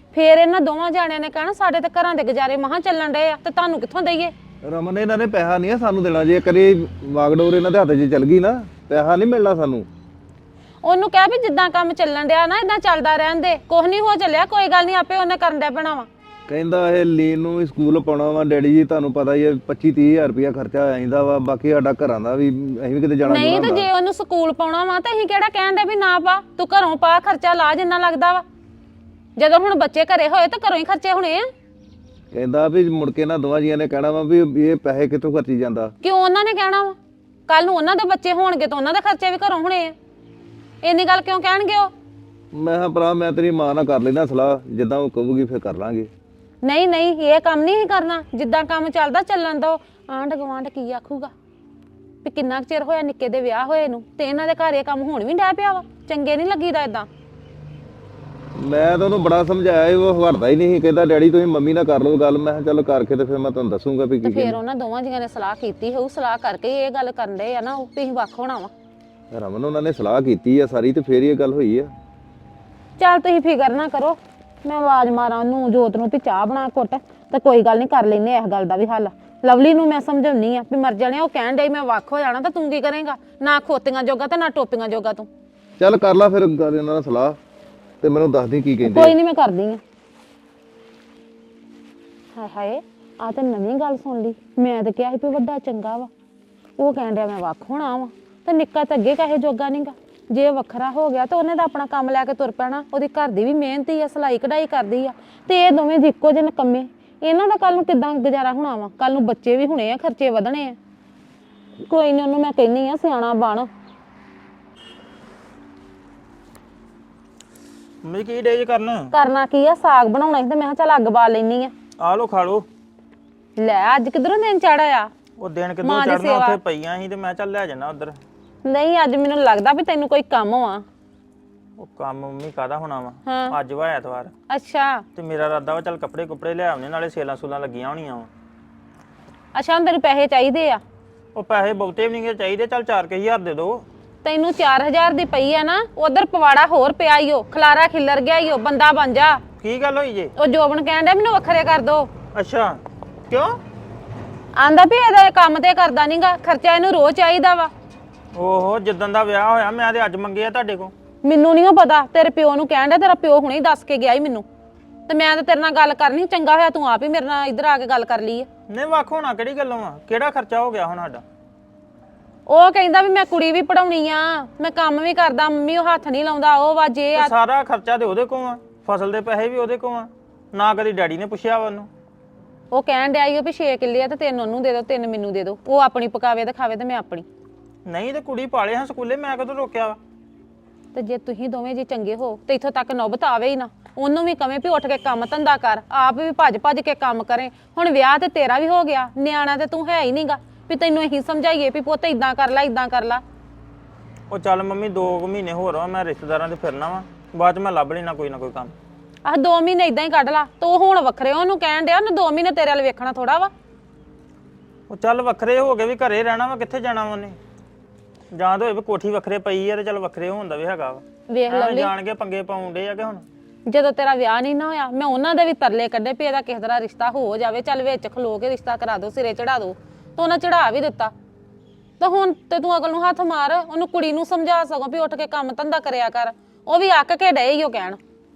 ਫੇਰ ਇਹਨਾਂ ਦੋਵਾਂ ਜਾਣਿਆਂ ਨੇ ਕਹਿਣਾ ਸਾਡੇ ਤੇ ਘਰਾਂ ਦੇ ਗੁਜ਼ਾਰੇ ਮਹਾਂ ਚੱਲਣ ਡਏ ਆ ਤੇ ਤੁਹਾਨੂੰ ਕਿੱਥੋਂ ਦਈਏ।
ਰਮਨ ਇਹਨਾਂ ਨੇ ਪੈਸਾ ਨਹੀਂ ਆ ਸਾਨੂੰ ਦੇਣਾ, ਜੇ ਕਰੀ ਵਾਗਡੋਰ ਇਹਨਾਂ ਦੇ ਹੱਥ 'ਚ ਚੱਲ ਗਈ ਨਾ ਪੈਸਾ ਨਹੀਂ ਮਿਲਣਾ ਸਾਨੂੰ।
ਉਹਨੂੰ ਕਹਿ ਵੀ ਜਿੱਦਾਂ ਕੰਮ ਚੱਲਣ ਡਿਆ ਨਾ ਇਦਾਂ ਚੱਲਦਾ ਰਹਿਣ ਦੇ, ਕੁਛ ਨਹੀਂ ਹੋ ਚੱਲਿਆ, ਕੋਈ ਗੱਲ ਨਹੀਂ ਆਪੇ ਉਹਨੇ ਕਰਨ ਡਿਆ ਪੈਣਾ ਵਾ।
ਕਹਿੰਦਾ ਇਹ ਲੀਨ ਨੂੰ ਵੀ ਸਕੂਲ ਪਾਉਣਾ ਵਾ ਡੈਡੀ ਜੀ, ਤੁਹਾਨੂੰ ਪਤਾ ਹੀ ਹੈ 25-30 ਹਜ਼ਾਰ ਰੁਪਇਆ ਖਰਚਾ ਆ ਜਾਂਦਾ ਵਾ, ਬਾਕੀ ਸਾਡਾ ਘਰਾਂ ਦਾ ਵੀ ਅਸੀਂ ਵੀ ਕਿਤੇ ਜਾਣਾ
ਨਹੀਂ ਤੇ ਜੇ ਉਹਨੂੰ ਸਕੂਲ ਪਾਉਣਾ ਵਾ ਤਾਂ ਅਸੀਂ ਕਿਹੜਾ ਕਹਿਣ ਦੇ ਵੀ ਨਾ ਪਾ, ਤੂੰ ਘਰੋਂ ਪਾ, ਖਰਚਾ ਲਾ ਜਿੰਨਾ ਲੱਗਦਾ ਵਾ। ਜਦੋਂ ਹੁਣ ਬੱਚੇ ਘਰੇ ਹੋਏ ਤਾਂ ਘਰੋਂ ਹੀ ਖਰਚੇ ਹੋਣੇ ਆ।
ਕਹਿੰਦਾ ਵੀ ਮੁੜ ਕੇ ਨਾ ਦੋਵਾਂ ਜੀਆਂ ਨੇ ਕਹਿਣਾ ਵਾ ਵੀ ਇਹ ਪੈਸੇ ਕਿੱਥੋਂ ਖਰਚੀ ਜਾਂਦਾ।
ਕਿਉਂ ਉਹਨਾਂ ਨੇ ਕਹਿਣਾ ਵਾ? ਕੱਲ ਨੂੰ ਉਹਨਾਂ ਦੇ ਬੱਚੇ ਹੋਣਗੇ ਤਾਂ ਉਹਨਾਂ ਦੇ ਖਰਚੇ ਵੀ ਘਰੋਂ ਹੋਣੇ ਆ। ਇੰਨੀ ਗੱਲ ਕਿਉਂ ਕਹਿਣਗੇ ਉਹ?
ਮੈਂ ਕਿਹਾ ਭਰਾ ਮੈਂ ਤੇਰੀ ਮਾਂ ਨਾਲ ਕਰ ਲੈਣਾ ਸਲਾਹ, ਜਿੱਦਾਂ ਉਹ ਕਹੂਗੀ ਫਿਰ ਕਰ ਲਾਂਗੇ।
ਨਹੀਂ ਨਹੀਂ ਇਹ ਕੰਮ ਨਹੀਂ ਕਰਨਾ, ਜਿੱਦਾਂ ਕੰਮ ਚੱਲਦਾ ਚੱਲਣ ਦੋ। ਆਂਢ ਗੁਆਂਢ ਕੀ ਆਖੂਗਾ ਵੀ ਕਿੰਨਾ ਕੁ ਚਿਰ ਹੋਇਆ ਨਿੱਕੇ ਦੇ ਵਿਆਹ ਹੋਏ ਨੂੰ ਤੇ ਇਹਨਾਂ ਦੇ ਘਰ ਇਹ ਕੰਮ ਹੁਣ ਵੀ ਡੈ ਪਿਆ ਵਾ। ਚੰਗੇ ਨਹੀਂ ਲੱਗੀਦਾ ਇਦਾਂ।
ਮੈਂ ਤਾਂ ਉਹਨੂੰ ਬੜਾ ਸਮਝਾਇਆ, ਉਹ ਹਟਦਾ ਹੀ ਨਹੀਂ। ਕਹਿੰਦਾ ਡੈਡੀ ਤੁਸੀਂ ਮੰਮੀ ਨਾਲ ਕਰ ਲਓ ਗੱਲ। ਮੈਂ ਕਿਹਾ ਚੱਲ ਕਰਕੇ ਤੇ ਫਿਰ ਮੈਂ ਤੁਹਾਨੂੰ ਦੱਸੂਗਾ ਵੀ
ਤੇ
ਕੀ
ਫਿਰ ਉਹਨਾਂ ਦੋਵਾਂ ਜੀਆਂ ਨੇ ਸਲਾਹ ਕੀਤੀ ਹੋਊ, ਸਲਾਹ ਕਰਕੇ ਇਹ ਗੱਲ ਕਰਨ ਦੇ ਆ ਨਾ ਉਹ ਵੀ ਅਸੀਂ ਵੱਖ ਹੋਣਾ ਵਾ।
ਰਮਨ ਉਹਨਾਂ ਨੇ ਸਲਾਹ ਕੀਤੀ ਆ ਸਾਰੀ ਤੇ ਫੇਰ ਇਹ ਗੱਲ ਹੋਈ ਆ।
ਚੱਲ ਤੁਸੀਂ ਫਿਕਰ ਨਾ ਕਰੋ, ਮੈਂ ਆਵਾਜ਼ ਮਾਰਾਂ ਉਹਨੂੰ ਜੋਤ ਨੂੰ ਵੀ ਚਾਹ ਬਣਾ ਘੁੱਟ, ਤੇ ਕੋਈ ਗੱਲ ਨਹੀਂ ਕਰ ਲੈਨੇ ਇਸ ਗੱਲ ਦਾ ਵੀ ਹੱਲ। ਲਵਲੀ ਨੂੰ ਮੈਂ ਸਮਝਾਉਣੀ ਆ ਵੀ ਮਰ ਜਾਣੇ, ਉਹ ਕਹਿਣ ਡਈ ਮੈਂ ਵੱਖ ਹੋ ਜਾਣਾ ਤਾਂ ਤੂੰ ਕੀ ਕਰੇਂਗਾ? ਨਾ ਖੋਤੀਆਂ ਜੋਗਾ ਤੇ ਨਾ ਟੋਪੀਆਂ ਜੋਗਾ ਤੂੰ।
ਚੱਲ ਕਰ ਲਾ ਫਿਰ ਗੱਲ ਇਹਨਾਂ ਨਾਲ ਸਲਾਹ ਤੇ ਮੈਨੂੰ ਦੱਸ ਦੀ ਕੀ ਕਹਿੰਦੇ।
ਕੋਈ ਨਹੀਂ ਮੈਂ ਕਰਦੀ ਆ। ਹਾਏ ਹਾਏ ਆ ਤਾਂ ਨਵੀਂ ਗੱਲ ਸੁਣ ਲਈ। ਮੈਂ ਤਾਂ ਕਿਹਾ ਸੀ ਵੀ ਵੱਡਾ ਚੰਗਾ ਵਾ, ਉਹ ਕਹਿਣ ਡਿਆ ਮੈਂ ਵੱਖ ਹੋਣਾ ਵਾ, ਤੇ ਨਿੱਕਾ ਤਾਂ ਅੱਗੇ ਕਹੇ ਜੋਗਾ ਨਹੀਂਗਾ। ਜੇ ਵੱਖਰਾ ਹੋ ਗਿਆ ਤਾਂ ਉਹਨੇ ਤਾਂ ਆਪਣਾ ਕੰਮ ਲੈ ਕੇ ਤੁਰ ਪੈਣਾ। ਉਹਦੀ ਘਰ ਦੀ ਵੀ ਮਿਹਨਤੀ ਆ, ਸਿਲਾਈ ਕਢਾਈ ਕਰਦੀ ਆ, ਤੇ ਇਹ ਦੋਵੇਂ ਇੱਕੋ ਜਿਹੇ ਨਕੰਮੇ। ਇਹਨਾਂ ਦਾ ਕੱਲ ਨੂੰ ਕਿੱਦਾਂ ਗੁਜ਼ਾਰਾ ਹੋਣਾ ਵਾ? ਕੱਲ ਨੂੰ ਬੱਚੇ ਵੀ ਹੋਣੇ ਆ, ਖਰਚੇ ਵਧਣੇ ਆ। ਕੋਈ ਨਹੀਂ ਉਹਨੂੰ ਮੈਂ ਕਹਿੰਨੀ ਆ ਸਿਆਣਾ ਬਣ।
ਮੈਂ ਕੀ ਡੇ
ਕਰਨਾ ਕੀ ਆ? ਸਾਗ ਬਣਾਉਣਾ ਸੀ ਤੇ ਮੈਂ ਕਿਹਾ ਚੱਲ ਅੱਗ ਬਾਲ ਲੈਣੀ ਆ।
ਆ ਲੋ ਖਾ ਲੋ।
ਲੈ ਅੱਜ ਕਿਧਰੋਂ ਦਿਨ ਚੜਿਆ?
ਉਹ ਦਿਨ ਕਿਦੋਂ ਚੜਨਾ, ਉੱਥੇ ਪਈਆਂ ਸੀ ਤੇ ਮੈਂ ਚੱਲ ਲੈ ਜਾਣਾ ਉਧਰ।
ਨਹੀਂ ਅੱਜ ਮੈਨੂੰ ਲੱਗਦਾ ਵੀ ਤੈਨੂੰ ਕੋਈ ਕੰਮ ਵਾ।
ਉਹ ਕੰਮ ਮੰਮੀ ਕਾਹਦਾ ਹੋਣਾ ਵਾ? ਅੱਜ ਵਾ ਐਤਵਾਰ।
ਅੱਛਾ
ਤੇ ਮੇਰਾ ਇਰਾਦਾ ਵਾ ਚੱਲ ਕੱਪੜੇ ਕੁਪੜੇ ਲੈ ਆਉਣੇ, ਨਾਲੇ ਸੇਲਾਂ ਸੂਲਾਂ ਲੱਗੀਆਂ ਹੋਣੀਆਂ ਵਾ।
ਅੱਛਾ ਹੁਣ ਤੈਨੂੰ ਪੈਸੇ ਚਾਹੀਦੇ ਆ?
ਉਹ ਪੈਸੇ ਬਹੁਤੇ ਵੀ ਨਹੀਂਗੇ ਚਾਹੀਦੇ, ਚੱਲ 4000 ਦੇ ਦੋ।
ਤੈਨੂੰ 4000 ਦੀ ਪਈ ਆ ਨਾ, ਉਧਰ ਪਵਾੜਾ ਹੋਰ ਪਿਆ ਈ ਓ, ਖਲਾਰਾ ਖਿੱਲਰ ਗਿਆ ਈ ਓ, ਬੰਦਾ ਬਣ ਜਾ।
ਕੀ ਗੱਲ ਹੋਈ ਜੇ?
ਉਹ ਜੋਬਨ ਕਹਿਣ ਡਿਆ ਮੈਨੂੰ ਵੱਖਰੇ ਕਰ ਦੋ।
ਅੱਛਾ ਕਿਉਂ?
ਆਂਦਾ ਵੀ ਇਹਦਾ ਇਹ ਕੰਮ ਤੇ ਕਰਦਾ ਨਹੀਂਗਾ, ਖਰਚਾ ਇਹਨੂੰ ਰੋਜ਼ ਚਾਹੀਦਾ ਵਾ।
ਓਹੋ ਜਿੱਦਾਂ ਦਾ ਵਿਆਹ ਹੋਇਆ ਮੈਂ ਤੇ ਅੱਜ ਮੰਗੇ ਆ ਤੁਹਾਡੇ ਕੋਲ।
ਮੈਨੂੰ ਨਹੀਂ ਪਤਾ, ਤੇਰੇ ਪਿਓ ਨੂੰ ਕਹਿਣ ਡਿਆ, ਤੇਰਾ ਪਿਓ ਹੁਣੇ ਹੀ ਦੱਸ ਕੇ ਗਿਆ ਈ ਮੈਨੂੰ, ਤੇ ਮੈਂ ਤਾਂ ਤੇਰੇ ਨਾਲ ਗੱਲ ਕਰਨੀ। ਚੰਗਾ ਹੋਇਆ ਤੂੰ ਆਪ ਹੀ ਮੇਰੇ ਨਾਲ ਇੱਧਰ ਆ ਕੇ ਗੱਲ ਕਰ ਲਈ ਆ।
ਨਹੀਂ ਵੱਖ ਹੋਣਾ ਕਿਹੜੀ ਗੱਲੋਂ ਆ? ਕਿਹੜਾ ਖਰਚਾ ਹੋ ਗਿਆ ਹੁਣ ਸਾਡਾ?
ਉਹ ਕਹਿੰਦਾ ਵੀ ਮੈਂ ਕੁੜੀ ਵੀ ਪੜਾਉਣੀ ਆ, ਮੈਂ ਕੰਮ ਵੀ ਕਰਦਾ, ਮੰਮੀ ਉਹ ਹੱਥ ਨਹੀਂ ਲਾਉਂਦਾ, ਉਹ ਵਾ ਜੇ ਆ।
ਸਾਰਾ ਖਰਚਾ ਤੇ ਉਹਦੇ ਕੋਲ ਆ, ਫਸਲ ਦੇ ਪੈਸੇ ਵੀ ਉਹਦੇ ਕੋਲ ਆ, ਨਾ ਕਦੀ ਡੈਡੀ ਨੇ ਪੁੱਛਿਆ ਵਾ ਉਹਨੂੰ।
ਉਹ ਕਹਿਣ ਡਿਆ ਈ ਵੀ 6 ਕਿੱਲੇ ਆ ਤੇ 3 ਉਹਨੂੰ ਦੇ ਦਿਓ, 3 ਮੈਨੂੰ ਦੇ ਦਿਓ। ਉਹ ਆਪਣੀ ਪਕਾਵੇ ਤੇ ਖਾਵੇ ਤੇ ਮੈਂ ਆਪਣੀ।
ਨਹੀਂ ਤੇ ਕੁੜੀ ਪਾਲੇ ਹਾਂ ਸਕੂਲੇ, ਮੈਂ ਕਦੋਂ ਰੋਕਿਆ ਵਾ?
ਤੇ ਜੇ ਤੁਸੀਂ ਦੋਵੇਂ ਜੀ ਚੰਗੇ ਹੋ ਤੇ ਇੱਥੋਂ ਤੱਕ ਨੌਬਤ ਆਵੇ ਹੀ ਨਾ। ਉਹਨੂੰ ਵੀ ਕਵੇਂ ਵੀ ਉੱਠ ਕੇ ਕੰਮ ਧੰਦਾ ਕਰ, ਆਪ ਵੀ ਭੱਜ ਭੱਜ ਕੇ ਕੰਮ ਕਰੇ। ਹੁਣ ਵਿਆਹ ਤੇ ਤੇਰਾ ਵੀ ਹੋ ਗਿਆ, ਨਿਆਣਾ ਤੇ ਤੂੰ ਹੈ ਹੀ ਨਹੀਂਗਾ ਵੀ ਤੈਨੂੰ ਇਹੀ ਸਮਝਾਈਏ ਵੀ ਪੁੱਤ ਇਦਾਂ ਕਰ ਲੈ ਇਦਾਂ ਕਰ ਲੈ।
ਉਹ ਚੱਲ ਮੰਮੀ 2 ਮਹੀਨੇ ਹੋਰ ਆ, ਮੈਂ ਰਿਸ਼ਤੇਦਾਰਾਂ ਦੇ ਫਿਰਨਾ ਵਾ, ਬਾਅਦ ਚ ਮੈਂ ਲੱਭ ਲੈਣਾ ਕੋਈ ਨਾ ਕੋਈ ਕੰਮ।
ਆਹ 2 ਮਹੀਨੇ ਇਦਾਂ ਹੀ ਕੱਢ ਲਾ, ਤੂੰ ਹੁਣ ਵੱਖਰੇ ਉਹਨੂੰ ਕਹਿਣ ਡਿਆ ਉਹਨੂੰ 2 ਮਹੀਨੇ ਤੇਰੇ ਵੱਲ ਵੇਖਣਾ ਥੋੜਾ ਵਾ।
ਉਹ ਚੱਲ ਵੱਖਰੇ ਹੋ ਕੇ ਵੀ ਘਰੇ ਰਹਿਣਾ ਵਾ, ਕਿੱਥੇ ਜਾਣਾ ਵਾ ਉਹਨੇ? ਜਾਂ ਤਾਂ ਹੋਏ ਵੀ ਕੋਠੀ ਵੱਖਰੇ ਪਈ ਆ ਤੇ ਚੱਲ ਵੱਖਰੇ ਹੋਣ ਦਾ ਵੀ ਹੈਗਾ ਵਾ।
ਵੇਖ ਲਵਲੀ
ਜਾਣ ਕੇ ਪੰਗੇ ਪਾਉਂਦੇ ਆ ਕਿ ਹੁਣ
ਜਦੋਂ ਤੇਰਾ ਵਿਆਹ ਨਹੀਂ ਨਾ ਹੋਇਆ, ਮੈਂ ਉਹਨਾਂ ਦੇ ਵੀ ਤਰਲੇ ਕੱਢੇ ਵੀ ਇਹਦਾ ਕਿਸੇ ਤਰ੍ਹਾਂ ਰਿਸ਼ਤਾ ਹੋ ਜਾਵੇ, ਚੱਲ ਵਿੱਚ ਖਲੋ ਕੇ ਰਿਸ਼ਤਾ ਕਰਾ ਦੋ, ਸਿਰੇ ਚੜਾ ਦੋ। ਤਾਂ ਉਹਨਾਂ ਚੜਾ ਵੀ ਦਿੱਤਾ। ਤਾਂ ਹੁਣ ਤੇ ਤੂੰ ਅਗਲ ਨੂੰ ਹੱਥ ਮਾਰ, ਉਹਨੂੰ ਕੁੜੀ ਨੂੰ ਸਮਝਾ ਸਕੋ ਵੀ ਉੱਠ ਕੇ ਕੰਮ ਧੰਦਾ ਕਰਿਆ ਕਰ। ਉਹ ਵੀ ਅੱਕ ਕੇ ਡਏ ਹੀ ਉਹ ਕਹਿਣ।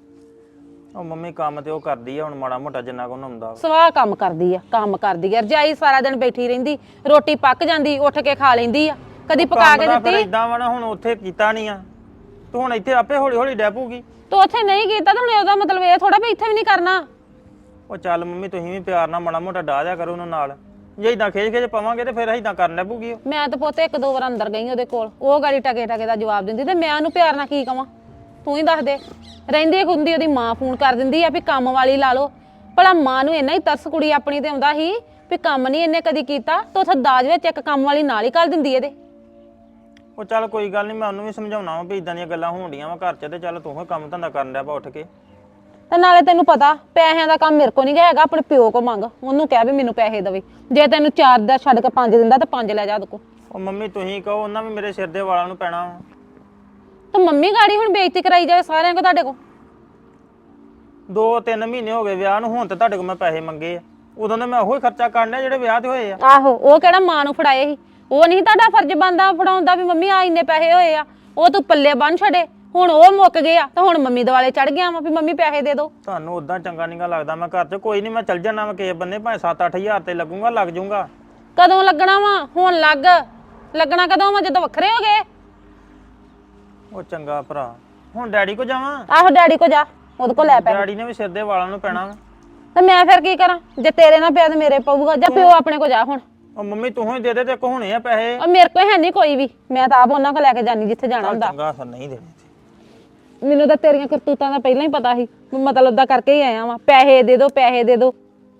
ਉਹ ਮੰਮੀ ਕੰਮ ਤੇ ਉਹ ਕਰਦੀ ਆ ਹੁਣ ਮਾੜਾ ਮੋਟਾ ਜਿੰਨਾ ਕੋ ਹੁੰਦਾ ਵਾ।
ਸਵਾਹ ਕੰਮ ਕਰਦੀ ਆ, ਕੰਮ ਕਰਦੀ ਆ। ਰਜਾਈ ਸਾਰਾ ਦਿਨ ਬੈਠੀ ਰਹਿੰਦੀ, ਰੋਟੀ ਪੱਕ ਜਾਂਦੀ, ਉੱਠ ਕੇ ਖਾ ਲੈਂਦੀ ਆ, ਕਦੀ ਪਕਾ ਕੇ ਦਿੱਤੀ।
ਇਦਾਂ ਵਾ ਨਾ, ਹੁਣ ਉੱਥੇ ਕੀਤਾ ਨਹੀਂ ਆ ਤੂੰ, ਹੁਣ ਇੱਥੇ ਆਪੇ ਹੌਲੀ ਹੌਲੀ ਡੈ ਪਊਗੀ।
ਤੂੰ ਉੱਥੇ ਨਹੀਂ ਕੀਤਾ ਤਾਂ ਹੁਣ ਉਹਦਾ ਮਤਲਬ ਇਹ ਥੋੜਾ ਵੀ ਇੱਥੇ ਵੀ ਨਹੀਂ ਕਰਨਾ।
ਉਹ ਚੱਲ ਮੰਮੀ ਤੁਸੀਂ ਵੀ ਪਿਆਰ ਨਾਲ ਮਾੜਾ ਮੋਟਾ ਡਾਹ ਦਿਆ ਕਰੋ ਉਹਨਾਂ ਨਾਲ। ਜੇ ਇਦਾਂ ਖੇਜ ਪਵਾਂਗੇ ਤੇ ਫਿਰ ਇਦਾਂ ਕਰਨ ਲੱਗ ਪਊਗੀ।
ਮੈਂ ਤਾਂ ਪੁੱਤ 1-2 ਵਾਰ ਅੰਦਰ ਗਈ ਉਹਦੇ ਕੋਲ, ਉਹ ਗਾੜੀ ਟਕੇ ਟਕੇ ਦਾ ਜਵਾਬ ਦਿੰਦੀ ਤੇ ਮੈਂ ਉਹਨੂੰ ਪਿਆਰ ਨਾਲ ਕੀ ਕਵਾਂ? ਤੂੰ ਹੀ ਦੱਸ ਦੇ। ਰਹਿੰਦੀ ਹੁੰਦੀ ਉਹਦੀ ਮਾਂ ਫੋਨ ਕਰ ਦਿੰਦੀ ਆ ਵੀ ਕੰਮ ਵਾਲੀ ਲਾ ਲਓ। ਭਲਾ ਮਾਂ ਨੂੰ ਇੰਨਾ ਹੀ ਤਰਸ ਕੁੜੀ ਆਪਣੀ ਤੇ ਆਉਂਦਾ ਸੀ ਵੀ ਕੰਮ ਨਹੀਂ ਇਹਨੇ ਕਦੀ ਕੀਤਾ, ਤਾਂ ਉੱਥੇ ਦਾਜ ਵਿੱਚ ਇੱਕ ਕੰਮ ਵਾਲੀ ਨਾਲ ਹੀ ਕਰ ਦਿੰਦੀ ਇਹਦੇ।
ਉਹ ਚੱਲ ਕੋਈ ਗੱਲ ਨਹੀਂ, ਮੈਂ ਉਹਨੂੰ ਵੀ ਸਮਝਾਉਣਾ ਵਾ ਵੀ ਇਦਾਂ ਦੀਆਂ ਗੱਲਾਂ ਹੋਣਡੀਆਂ ਵਾ ਘਰ 'ਚ, ਤੇ ਚੱਲ ਤੂੰ ਕੰਮ ਧੰਦਾ ਕਰਨ ਡਿਆ ਪਾ ਉੱਠ ਕੇ।
ਤੇ ਨਾਲੇ ਤੈਨੂੰ ਪਤਾ ਪੈਸਿਆਂ ਦਾ ਕੰਮ ਮੇਰੇ ਕੋ ਨਹੀਂ ਹੈਗਾ, ਆਪਣੇ ਪਿਓ ਕੋ ਮੰਗ, ਉਹਨੂੰ ਕਹਿ ਵੀ ਮੈਨੂੰ ਪੈਸੇ ਦੇਵੇ। ਜੇ ਤੈਨੂੰ 4 ਦਾ ਛੱਡ ਕੇ 5 ਦਿੰਦਾ ਤਾਂ 5 ਲੈ ਜਾ ਉਹਦੇ ਕੋ।
ਉਹ ਮੰਮੀ ਤੁਸੀਂ ਕਹੋ, ਉਹਨਾਂ ਵੀ ਮੇਰੇ ਸਿਰ ਦੇ ਵਾਲਾਂ ਨੂੰ ਪੈਣਾ ਵਾ।
ਤਾਂ ਮੰਮੀ ਗਾੜੀ ਹੁਣ ਬੇਇੱਜ਼ਤੀ ਕਰਾਈ ਜਾਵੇ ਸਾਰਿਆਂ ਕੋ ਤੁਹਾਡੇ ਕੋ।
2-3 ਮਹੀਨੇ ਹੋ ਗਏ ਵਿਆਹ ਨੂੰ, ਹੁਣ ਤੇ ਤੁਹਾਡੇ ਕੋਲ ਮੈਂ ਪੈਸੇ ਮੰਗੇ ਆ। ਉਦੋਂ ਦੇ ਮੈਂ ਉਹੀ ਖਰਚਾ ਕਰਨਾ ਜਿਹੜੇ ਵਿਆਹ ਤੇ ਹੋਏ ਆ।
ਆਹੋ ਉਹ ਕਿਹੜਾ ਮਾਂ ਨੂੰ ਫੜਾਏ ਸੀ, ਉਹ ਨਹੀਂ ਤੁਹਾਡਾ ਫਰਜ਼ ਬਣਦਾ ਫੜਾਉਂਦਾ ਵੀ ਮੰਮੀ ਆ ਇੰਨੇ ਪੈਸੇ ਹੋਏ ਆ, ਉਹ ਤੂੰ ਪੱਲੇ ਬੰਨ ਛੱਡੇ। ਹੁਣ ਉਹ ਮੁੱਕ ਗਏ ਆ ਤਾਂ ਹੁਣ ਮੰਮੀ ਦੁਆਲੇ ਚੜ ਗਿਆ ਵਾ ਵੀ ਮੰਮੀ ਪੈਸੇ ਦੇ ਦਿਓ।
ਤੁਹਾਨੂੰ ਉਦਾਂ ਚੰਗਾ ਨਹੀਂਗਾ ਲੱਗਦਾ ਮੈਂ ਘਰ 'ਚ, ਕੋਈ ਨਹੀਂ ਮੈਂ ਚੱਲ ਜਾਣਾ ਵਾ ਕਿਸੇ ਬੰਨੇ, ਭਾਵੇਂ 7-8 ਹਜ਼ਾਰ ਤੇ ਲੱਗੂਗਾ, ਲੱਗ ਜਾਊਗਾ।
ਕਦੋਂ ਲੱਗਣਾ ਵਾ? ਹੁਣ ਲੱਗਣਾ ਕਦੋਂ ਵਾ, ਜਦੋਂ ਵੱਖਰੇ ਹੋ ਗਏ?
ਉਹ ਚੰਗਾ ਭਰਾ, ਹੁਣ ਡੈਡੀ ਕੋ ਜਾਵਾਂ?
ਆਹੋ ਡੈਡੀ ਕੋ ਜਾ, ਉਹਦੇ ਕੋ ਲੈ ਪੈਸੇ।
ਡੈਡੀ ਨੇ ਵੀ ਸਿਰ ਦੇ ਵਾਲਾਂ ਨੂੰ ਪੈਣਾ ਵਾ।
ਤੇ ਮੈਂ ਫਿਰ ਕੀ ਕਰਾਂ? ਜੇ ਤੇਰੇ ਨਾਲ ਪਿਆ ਤੇ ਮੇਰੇ ਪਊਗਾ। ਜਾਂ ਪਿਓ ਆਪਣੇ ਕੋ ਜਾ ਹੁਣ।
ਉਹ ਮੰਮੀ ਤੂੰ ਹੀ ਦੇ ਦੇ, ਤੇ ਕੋ ਹੋਣੇ ਆ ਪੈਸੇ।
ਉਹ ਮੇਰੇ ਕੋਲ ਹੈ ਨਹੀਂ ਕੋਈ ਵੀ, ਮੈਂ ਤਾਂ ਆਪ ਉਹਨਾਂ ਕੋ ਲੈ ਕੇ ਜਾਨੀ ਜਿੱਥੇ ਜਾਣਾ ਹੁੰਦਾ।
ਚੰਗਾ ਫਿਰ ਨਹੀਂ ਦੇਣੇ।
ਮੈਨੂੰ ਤਾਂ ਤੇਰੀਆਂ ਕਰਤੂਤਾਂ ਦਾ ਪਹਿਲਾਂ ਹੀ ਪਤਾ ਸੀ, ਮਤਲਬ ਦਾ ਕਰਕੇ ਹੀ ਆਇਆ ਵਾਂ, ਪੈਸੇ ਦੇ ਦਿਓ ਪੈਸੇ ਦੇ ਦਿਓ।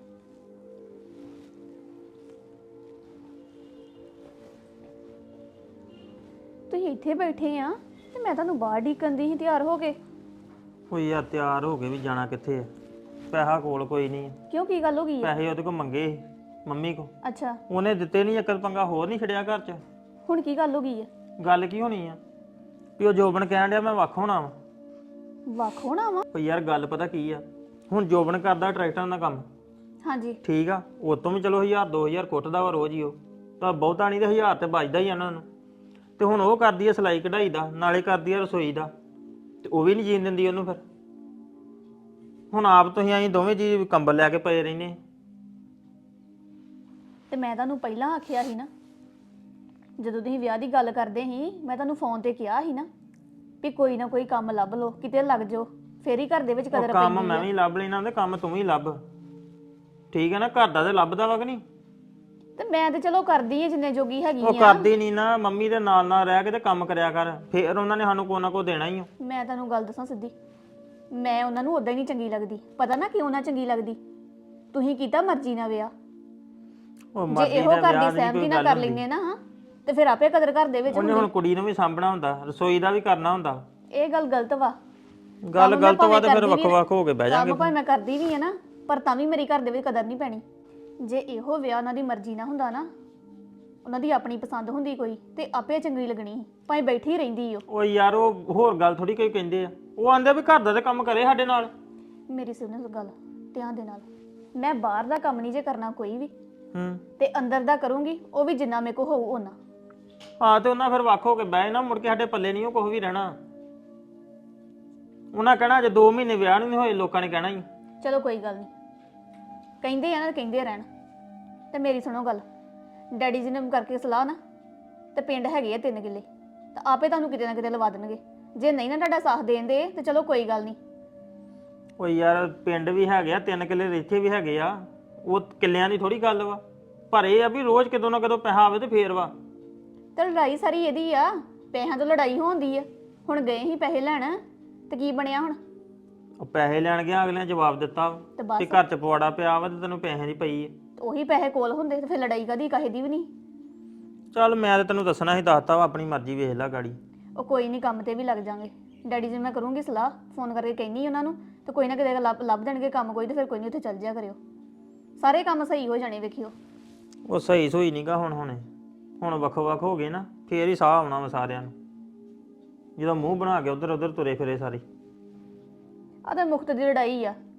ਤੁਸੀਂ ਇੱਥੇ ਬੈਠੇ ਆ ਤੇ ਮੈਂ ਤੁਹਾਨੂੰ ਬਾਹਰ ਢੀਕਣ ਦੀ ਸੀ ਤਿਆਰ ਹੋ ਕੇ।
ਕੋਈ ਯਾਰ ਤਿਆਰ ਹੋ ਕੇ ਵੀ ਜਾਣਾ ਕਿੱਥੇ ਆ, ਪੈਸਾ ਕੋਲ ਕੋਈ ਨਹੀਂ।
ਕਿਉਂ, ਕੀ ਗੱਲ ਹੋ ਗਈ ਆ?
ਪੈਸੇ ਉਹਦੇ ਕੋਲ ਮੰਗੇ ਸੀ ਮੰਮੀ ਕੋ,
ਅੱਛਾ,
ਉਹਨੇ ਦਿੱਤੇ ਨਹੀਂ, ਇੱਕ ਪੰਗਾ ਹੋਰ ਨਹੀਂ ਛੜਿਆ ਘਰ 'ਚ।
ਹੁਣ ਕੀ ਗੱਲ ਹੋ ਗਈ ਆ?
ਗੱਲ ਕੀ ਹੋਣੀ ਆ ਵੀ ਉਹ ਜੋਬਨ ਕਹਿਣ ਡਿਆ ਮੈਂ ਵੱਖ ਹੋਣਾ ਵਾ।
ਵੱਖ ਹੋਣਾ ਵਾ?
ਪਰ ਯਾਰ ਗੱਲ ਪਤਾ ਕੀ ਆ, ਹੁਣ ਜੋਬਨ ਕਰਦਾ ਟਰੈਕਟਰਾਂ ਦਾ ਕੰਮ,
ਹਾਂਜੀ।
ਠੀਕ ਆ, ਉਹ ਤੋਂ ਵੀ ਚਲੋ 1000-2000 ਕੁੱਟਦਾ ਵਾ ਰੋਜ਼ ਹੀ, ਉਹ ਤਾਂ ਬਹੁਤਾ ਨਹੀਂ ਤੇ 1000 ਤੇ ਬਚਦਾ ਹੀ ਆ ਉਹਨਾਂ ਨੂੰ। ਤੇ ਹੁਣ ਉਹ ਕਰਦੀ ਆ ਸਿਲਾਈ ਕਢਾਈ ਦਾ, ਨਾਲੇ ਕਰਦੀ ਆ ਰਸੋਈ ਦਾ, ਤੇ ਉਹ ਵੀ ਨਹੀਂ ਜੀਣ ਦਿੰਦੀ ਉਹਨੂੰ। ਫਿਰ ਹੁਣ ਆਪ ਤੁਸੀਂ ਅਸੀਂ ਦੋਵੇਂ ਜੀ ਕੰਬਲ ਲੈ ਕੇ ਪਏ ਰਹਿੰਦੇ।
ਤੇ ਮੈਂ ਤੁਹਾਨੂੰ ਪਹਿਲਾਂ ਆਖਿਆ ਸੀ ਨਾ, ਜਦੋਂ ਤੁਸੀਂ ਵਿਆਹ ਦੀ ਗੱਲ ਕਰਦੇ ਸੀ, ਮੈਂ ਤੁਹਾਨੂੰ ਫੋਨ ਤੇ ਕਿਹਾ ਸੀ ਨਾ ਵੀ ਕੋਈ ਨਾ ਕੋਈ ਕੰਮ ਲੱਭ ਲਓ, ਕਿਤੇ ਲੱਗ ਜਾਓ, ਫੇਰ ਹੀ ਘਰ ਦੇ ਵਿੱਚ ਕਦਰ
ਕੰਮ
ਪੈਂਦੀ
ਮੈਂ
ਆ।
ਵੀ ਲੱਭ ਲੈਣਾ ਤੇ ਕੰਮ ਤੂੰ ਵੀ ਲੱਭ, ਠੀਕ ਹੈ ਨਾ? ਘਰ ਦਾ ਤੇ ਲੱਭਦਾ ਵਾ ਕਿ ਨਹੀਂ?
ਤੇ ਮੈਂ ਤੇ ਚਲੋ ਕਰਦੀ ਆ ਜਿੰਨੇ ਜੋਗੀ ਹੈਗੀ
ਉਹ
ਆ।
ਕਰਦੀ ਨਹੀਂ ਨਾ, ਮੰਮੀ ਦੇ ਨਾਲ ਨਾਲ ਰਹਿ ਕੇ ਤੇ ਕੰਮ ਕਰਿਆ ਕਰ, ਫੇਰ ਉਹਨਾਂ ਨੇ ਸਾਨੂੰ ਕੋਈ ਨਾ ਕੋਈ ਦੇਣਾ ਹੀ ਆ।
ਮੈਂ ਤੁਹਾਨੂੰ ਗੱਲ ਦੱਸਾਂ ਸਿੱਧੀ, ਮੈਂ ਉਹਨਾਂ ਨੂੰ ਉਦਾਂ ਹੀ ਨਹੀਂ ਚੰਗੀ ਲੱਗਦੀ। ਪਤਾ ਨਾ ਕਿਉਂ ਨਾ ਚੰਗੀ ਲੱਗਦੀ? ਤੁਸੀਂ ਕੀਤਾ ਮਰਜ਼ੀ ਨਾਲ ਵਿਆਹ,
ਉਹ
ਜੇ
ਮਰਜ਼ੀ
ਇਹੋ
ਦਾ
ਘਰ
ਵਿਆਹ
ਦੀ
ਨਹੀਂ
ਸਹਿਮਤੀ
ਕੋਈ
ਨਾਲ
ਗੱਲ
ਕਰ
ਹੁੰਦੀ।
ਲੈਂਦੇ ਨਾ, ਹਾਂ, ਤੇ ਫਿਰ ਆਪੇ ਕਦਰ ਘਰ ਦੇ ਵਿੱਚ
ਉਹਨੇ
ਹੁੰਦੀ।
ਹੁਣ ਕੁੜੀ ਨੂੰ ਵੀ ਸਾਂਭਣਾ ਹੁੰਦਾ, ਰਸੋਈ ਦਾ ਵੀ ਕਰਨਾ ਹੁੰਦਾ।
ਇਹ ਗੱਲ ਗਲਤ ਵਾ।
ਗੱਲ
ਕੰਮ ਮੈਂ
ਗਲਤ ਵਾ ਤੇ ਫਿਰ
ਭਾਵੇਂ
ਵੱਖ
ਕਰਦੀ
ਵੱਖ ਹੋ ਕੇ ਬਹਿ
ਕੰਮ
ਜਾਾਂਗੇ।
ਭਾਵੇਂ ਮੈਂ ਕਰਦੀ ਵੀ ਆ ਨਾ, ਪਰ ਤਾਂ ਵੀ ਮੇਰੀ ਘਰ ਦੇ ਵਿੱਚ ਕਦਰ ਨਹੀਂ ਪੈਣੀ। ਜੇ ਇਹੋ ਵਿਆਹ ਉਹਨਾਂ ਦੀ ਮਰਜ਼ੀ ਨਾਲ ਹੁੰਦਾ ਨਾ, ਉਹਨਾਂ ਦੀ ਆਪਣੀ ਪਸੰਦ ਹੁੰਦੀ ਕੋਈ, ਤੇ ਆਪੇ ਚੰਗੀ ਲੱਗਣੀ ਸੀ, ਭਾਵੇਂ ਬੈਠੀ ਰਹਿੰਦੀ ਉਹ।
ਉਹ ਯਾਰ ਉਹ ਹੋਰ ਗੱਲ ਥੋੜੀ ਕੋਈ ਕਹਿੰਦੇ ਆ, ਉਹ ਆਂਦੇ ਵੀ ਘਰ ਦਾ ਤੇ ਕੰਮ ਕਰੇ ਸਾਡੇ ਨਾਲ।
ਮੇਰੀ ਸੁਣੋ ਗੱਲ ਧਿਆਨ ਦੇ ਨਾਲ, ਮੈਂ ਬਾਹਰ ਦਾ ਕੰਮ ਨਹੀਂ ਜੇ ਕਰਨਾ ਕੋਈ ਵੀ, ਤੇ ਅੰਦਰ ਦਾ ਕਰੂੰਗੀ, ਉਹ ਵੀ ਜਿੰਨਾ ਮੇਰੇ ਕੋ ਹੋਊ ਉਹਨਾਂ।
ਹਾਂ ਤੇ ਉਹਨਾਂ ਫਿਰ ਵੱਖ ਹੋ ਕੇ ਬਹਿ ਨਾ, ਮੁੜ ਕੇ ਸਾਡੇ ਪੱਲੇ ਨਹੀਂ ਉਹ ਕੁਝ ਵੀ ਰਹਿਣਾ। ਉਹਨਾਂ ਕਹਿਣਾ ਜੇ 2 ਮਹੀਨੇ ਵਿਆਹ ਨੂੰ ਨਹੀਂ ਹੋਏ, ਲੋਕਾਂ ਨੇ ਕਹਿਣਾ ਹੀ।
ਚਲੋ ਕੋਈ ਗੱਲ ਨਹੀਂ, ਕਹਿੰਦੇ ਆ ਨਾ, ਕਹਿੰਦੇ ਰਹਿਣ। ਤੇ ਮੇਰੀ ਸੁਣੋ ਗੱਲ, ਡੈਡੀ ਜੀ ਨੇ ਕਰਕੇ ਸਲਾਹ ਨਾ, ਤੇ ਪਿੰਡ ਹੈਗੇ ਆ 3 ਕਿੱਲੇ, ਤਾਂ ਆਪੇ ਤੁਹਾਨੂੰ ਕਿਤੇ ਨਾ ਕਿਤੇ ਲਵਾ ਦੇਣਗੇ। ਜੇ ਨਹੀਂ ਨਾ ਤੁਹਾਡਾ ਸਾਥ ਦੇਣਦੇ ਤੇ ਚਲੋ ਕੋਈ ਗੱਲ ਨਹੀਂ।
ਉਹ ਯਾਰ ਪਿੰਡ ਵੀ ਹੈਗੇ ਆ 3 ਕਿੱਲੇ, ਇੱਥੇ ਵੀ ਹੈਗੇ ਆ, ਉਹ ਕਿੱਲਿਆਂ ਦੀ ਥੋੜੀ ਗੱਲ ਵਾ। ਪਰ ਇਹ ਆ ਵੀ ਰੋਜ਼ ਕਿਤੋਂ ਨਾ ਕਿਤੋਂ ਪੈਸਾ ਆਵੇ ਤੇ ਫੇਰ ਵਾ।
ਤੇ ਲੜਾਈ ਸਾਰੀ ਇਹਦੀ ਆ, ਪੈਸਿਆਂ ਤੋਂ ਲੜਾਈ ਹੁੰਦੀ ਆ। ਹੁਣ ਗਏ ਹੀ ਪੈਸੇ ਲੈਣ, ਤੇ ਕੀ ਬਣਿਆ ਹੁਣ?
ਉਹ ਪੈਸੇ ਲੈਣ ਗਿਆ, ਅਗਲੇ ਨੇ ਜਵਾਬ ਦਿੱਤਾ
ਤੇ ਬਸ।
ਕਿ ਘਰ ਚ ਪਵਾੜਾ ਪਿਆ ਵਾ ਤੇ ਤੈਨੂੰ ਪੈਸੇ ਦੀ ਪਈ ਹੈ।
ਉਹੀ ਪੈਸੇ ਕੋਲ ਹੁੰਦੇ ਤੇ ਫਿਰ ਲੜਾਈ ਕਦੀ ਕਾਹੇ ਦੀ ਵੀ ਨਹੀਂ।
ਚੱਲ ਮੈਂ ਤਾਂ ਤੈਨੂੰ ਦੱਸਣਾ ਸੀ, ਦੱਸਤਾ ਵਾ, ਆਪਣੀ ਮਰਜ਼ੀ ਵੇਖ ਲੈ ਗਾੜੀ।
ਉਹ ਕੋਈ ਨਹੀਂ, ਕੰਮ ਤੇ ਵੀ ਲੱਗ ਜਾਾਂਗੇ। ਡੈਡੀ ਜੀ ਮੈਂ ਕਰੂੰਗੀ ਸਲਾਹ, ਫੋਨ ਕਰਕੇ ਕਹਿੰਨੀ ਉਹਨਾਂ ਨੂੰ, ਤੇ ਕੋਈ ਨਾ ਕਿਤੇ ਲੱਭ ਦੇਣਗੇ ਕੰਮ ਕੋਈ, ਤੇ ਫਿਰ ਕੋਈ ਨਹੀਂ ਉੱਥੇ ਚੱਲ ਜਿਆ ਕਰਿਓ, ਸਾਰੇ ਕੰਮ ਸਹੀ ਹੋ ਜਾਣੇ ਵੇਖਿਓ।
ਉਹ ਸਹੀ ਸੋਈ ਨਹੀਂਗਾ ਹੁਣ ਵੱਖੋ ਵੱਖ ਹੋ ਗਏ ਨਾ, ਫੇਰ ਹੀ ਸਾਹ ਆਉਣਾ ਵਾ ਸਾਰਿਆਂ ਨੂੰ, ਜਦੋਂ ਮੂੰਹ ਬਣਾ ਕੇ ਉਧਰ ਉਧਰ ਤੁਰੇ ਫਿਰੇ ਸਾਰੇ।
ਆ ਤਾਂ ਮੁਕਤ ਦੀ ਲੜਾਈ ਆ,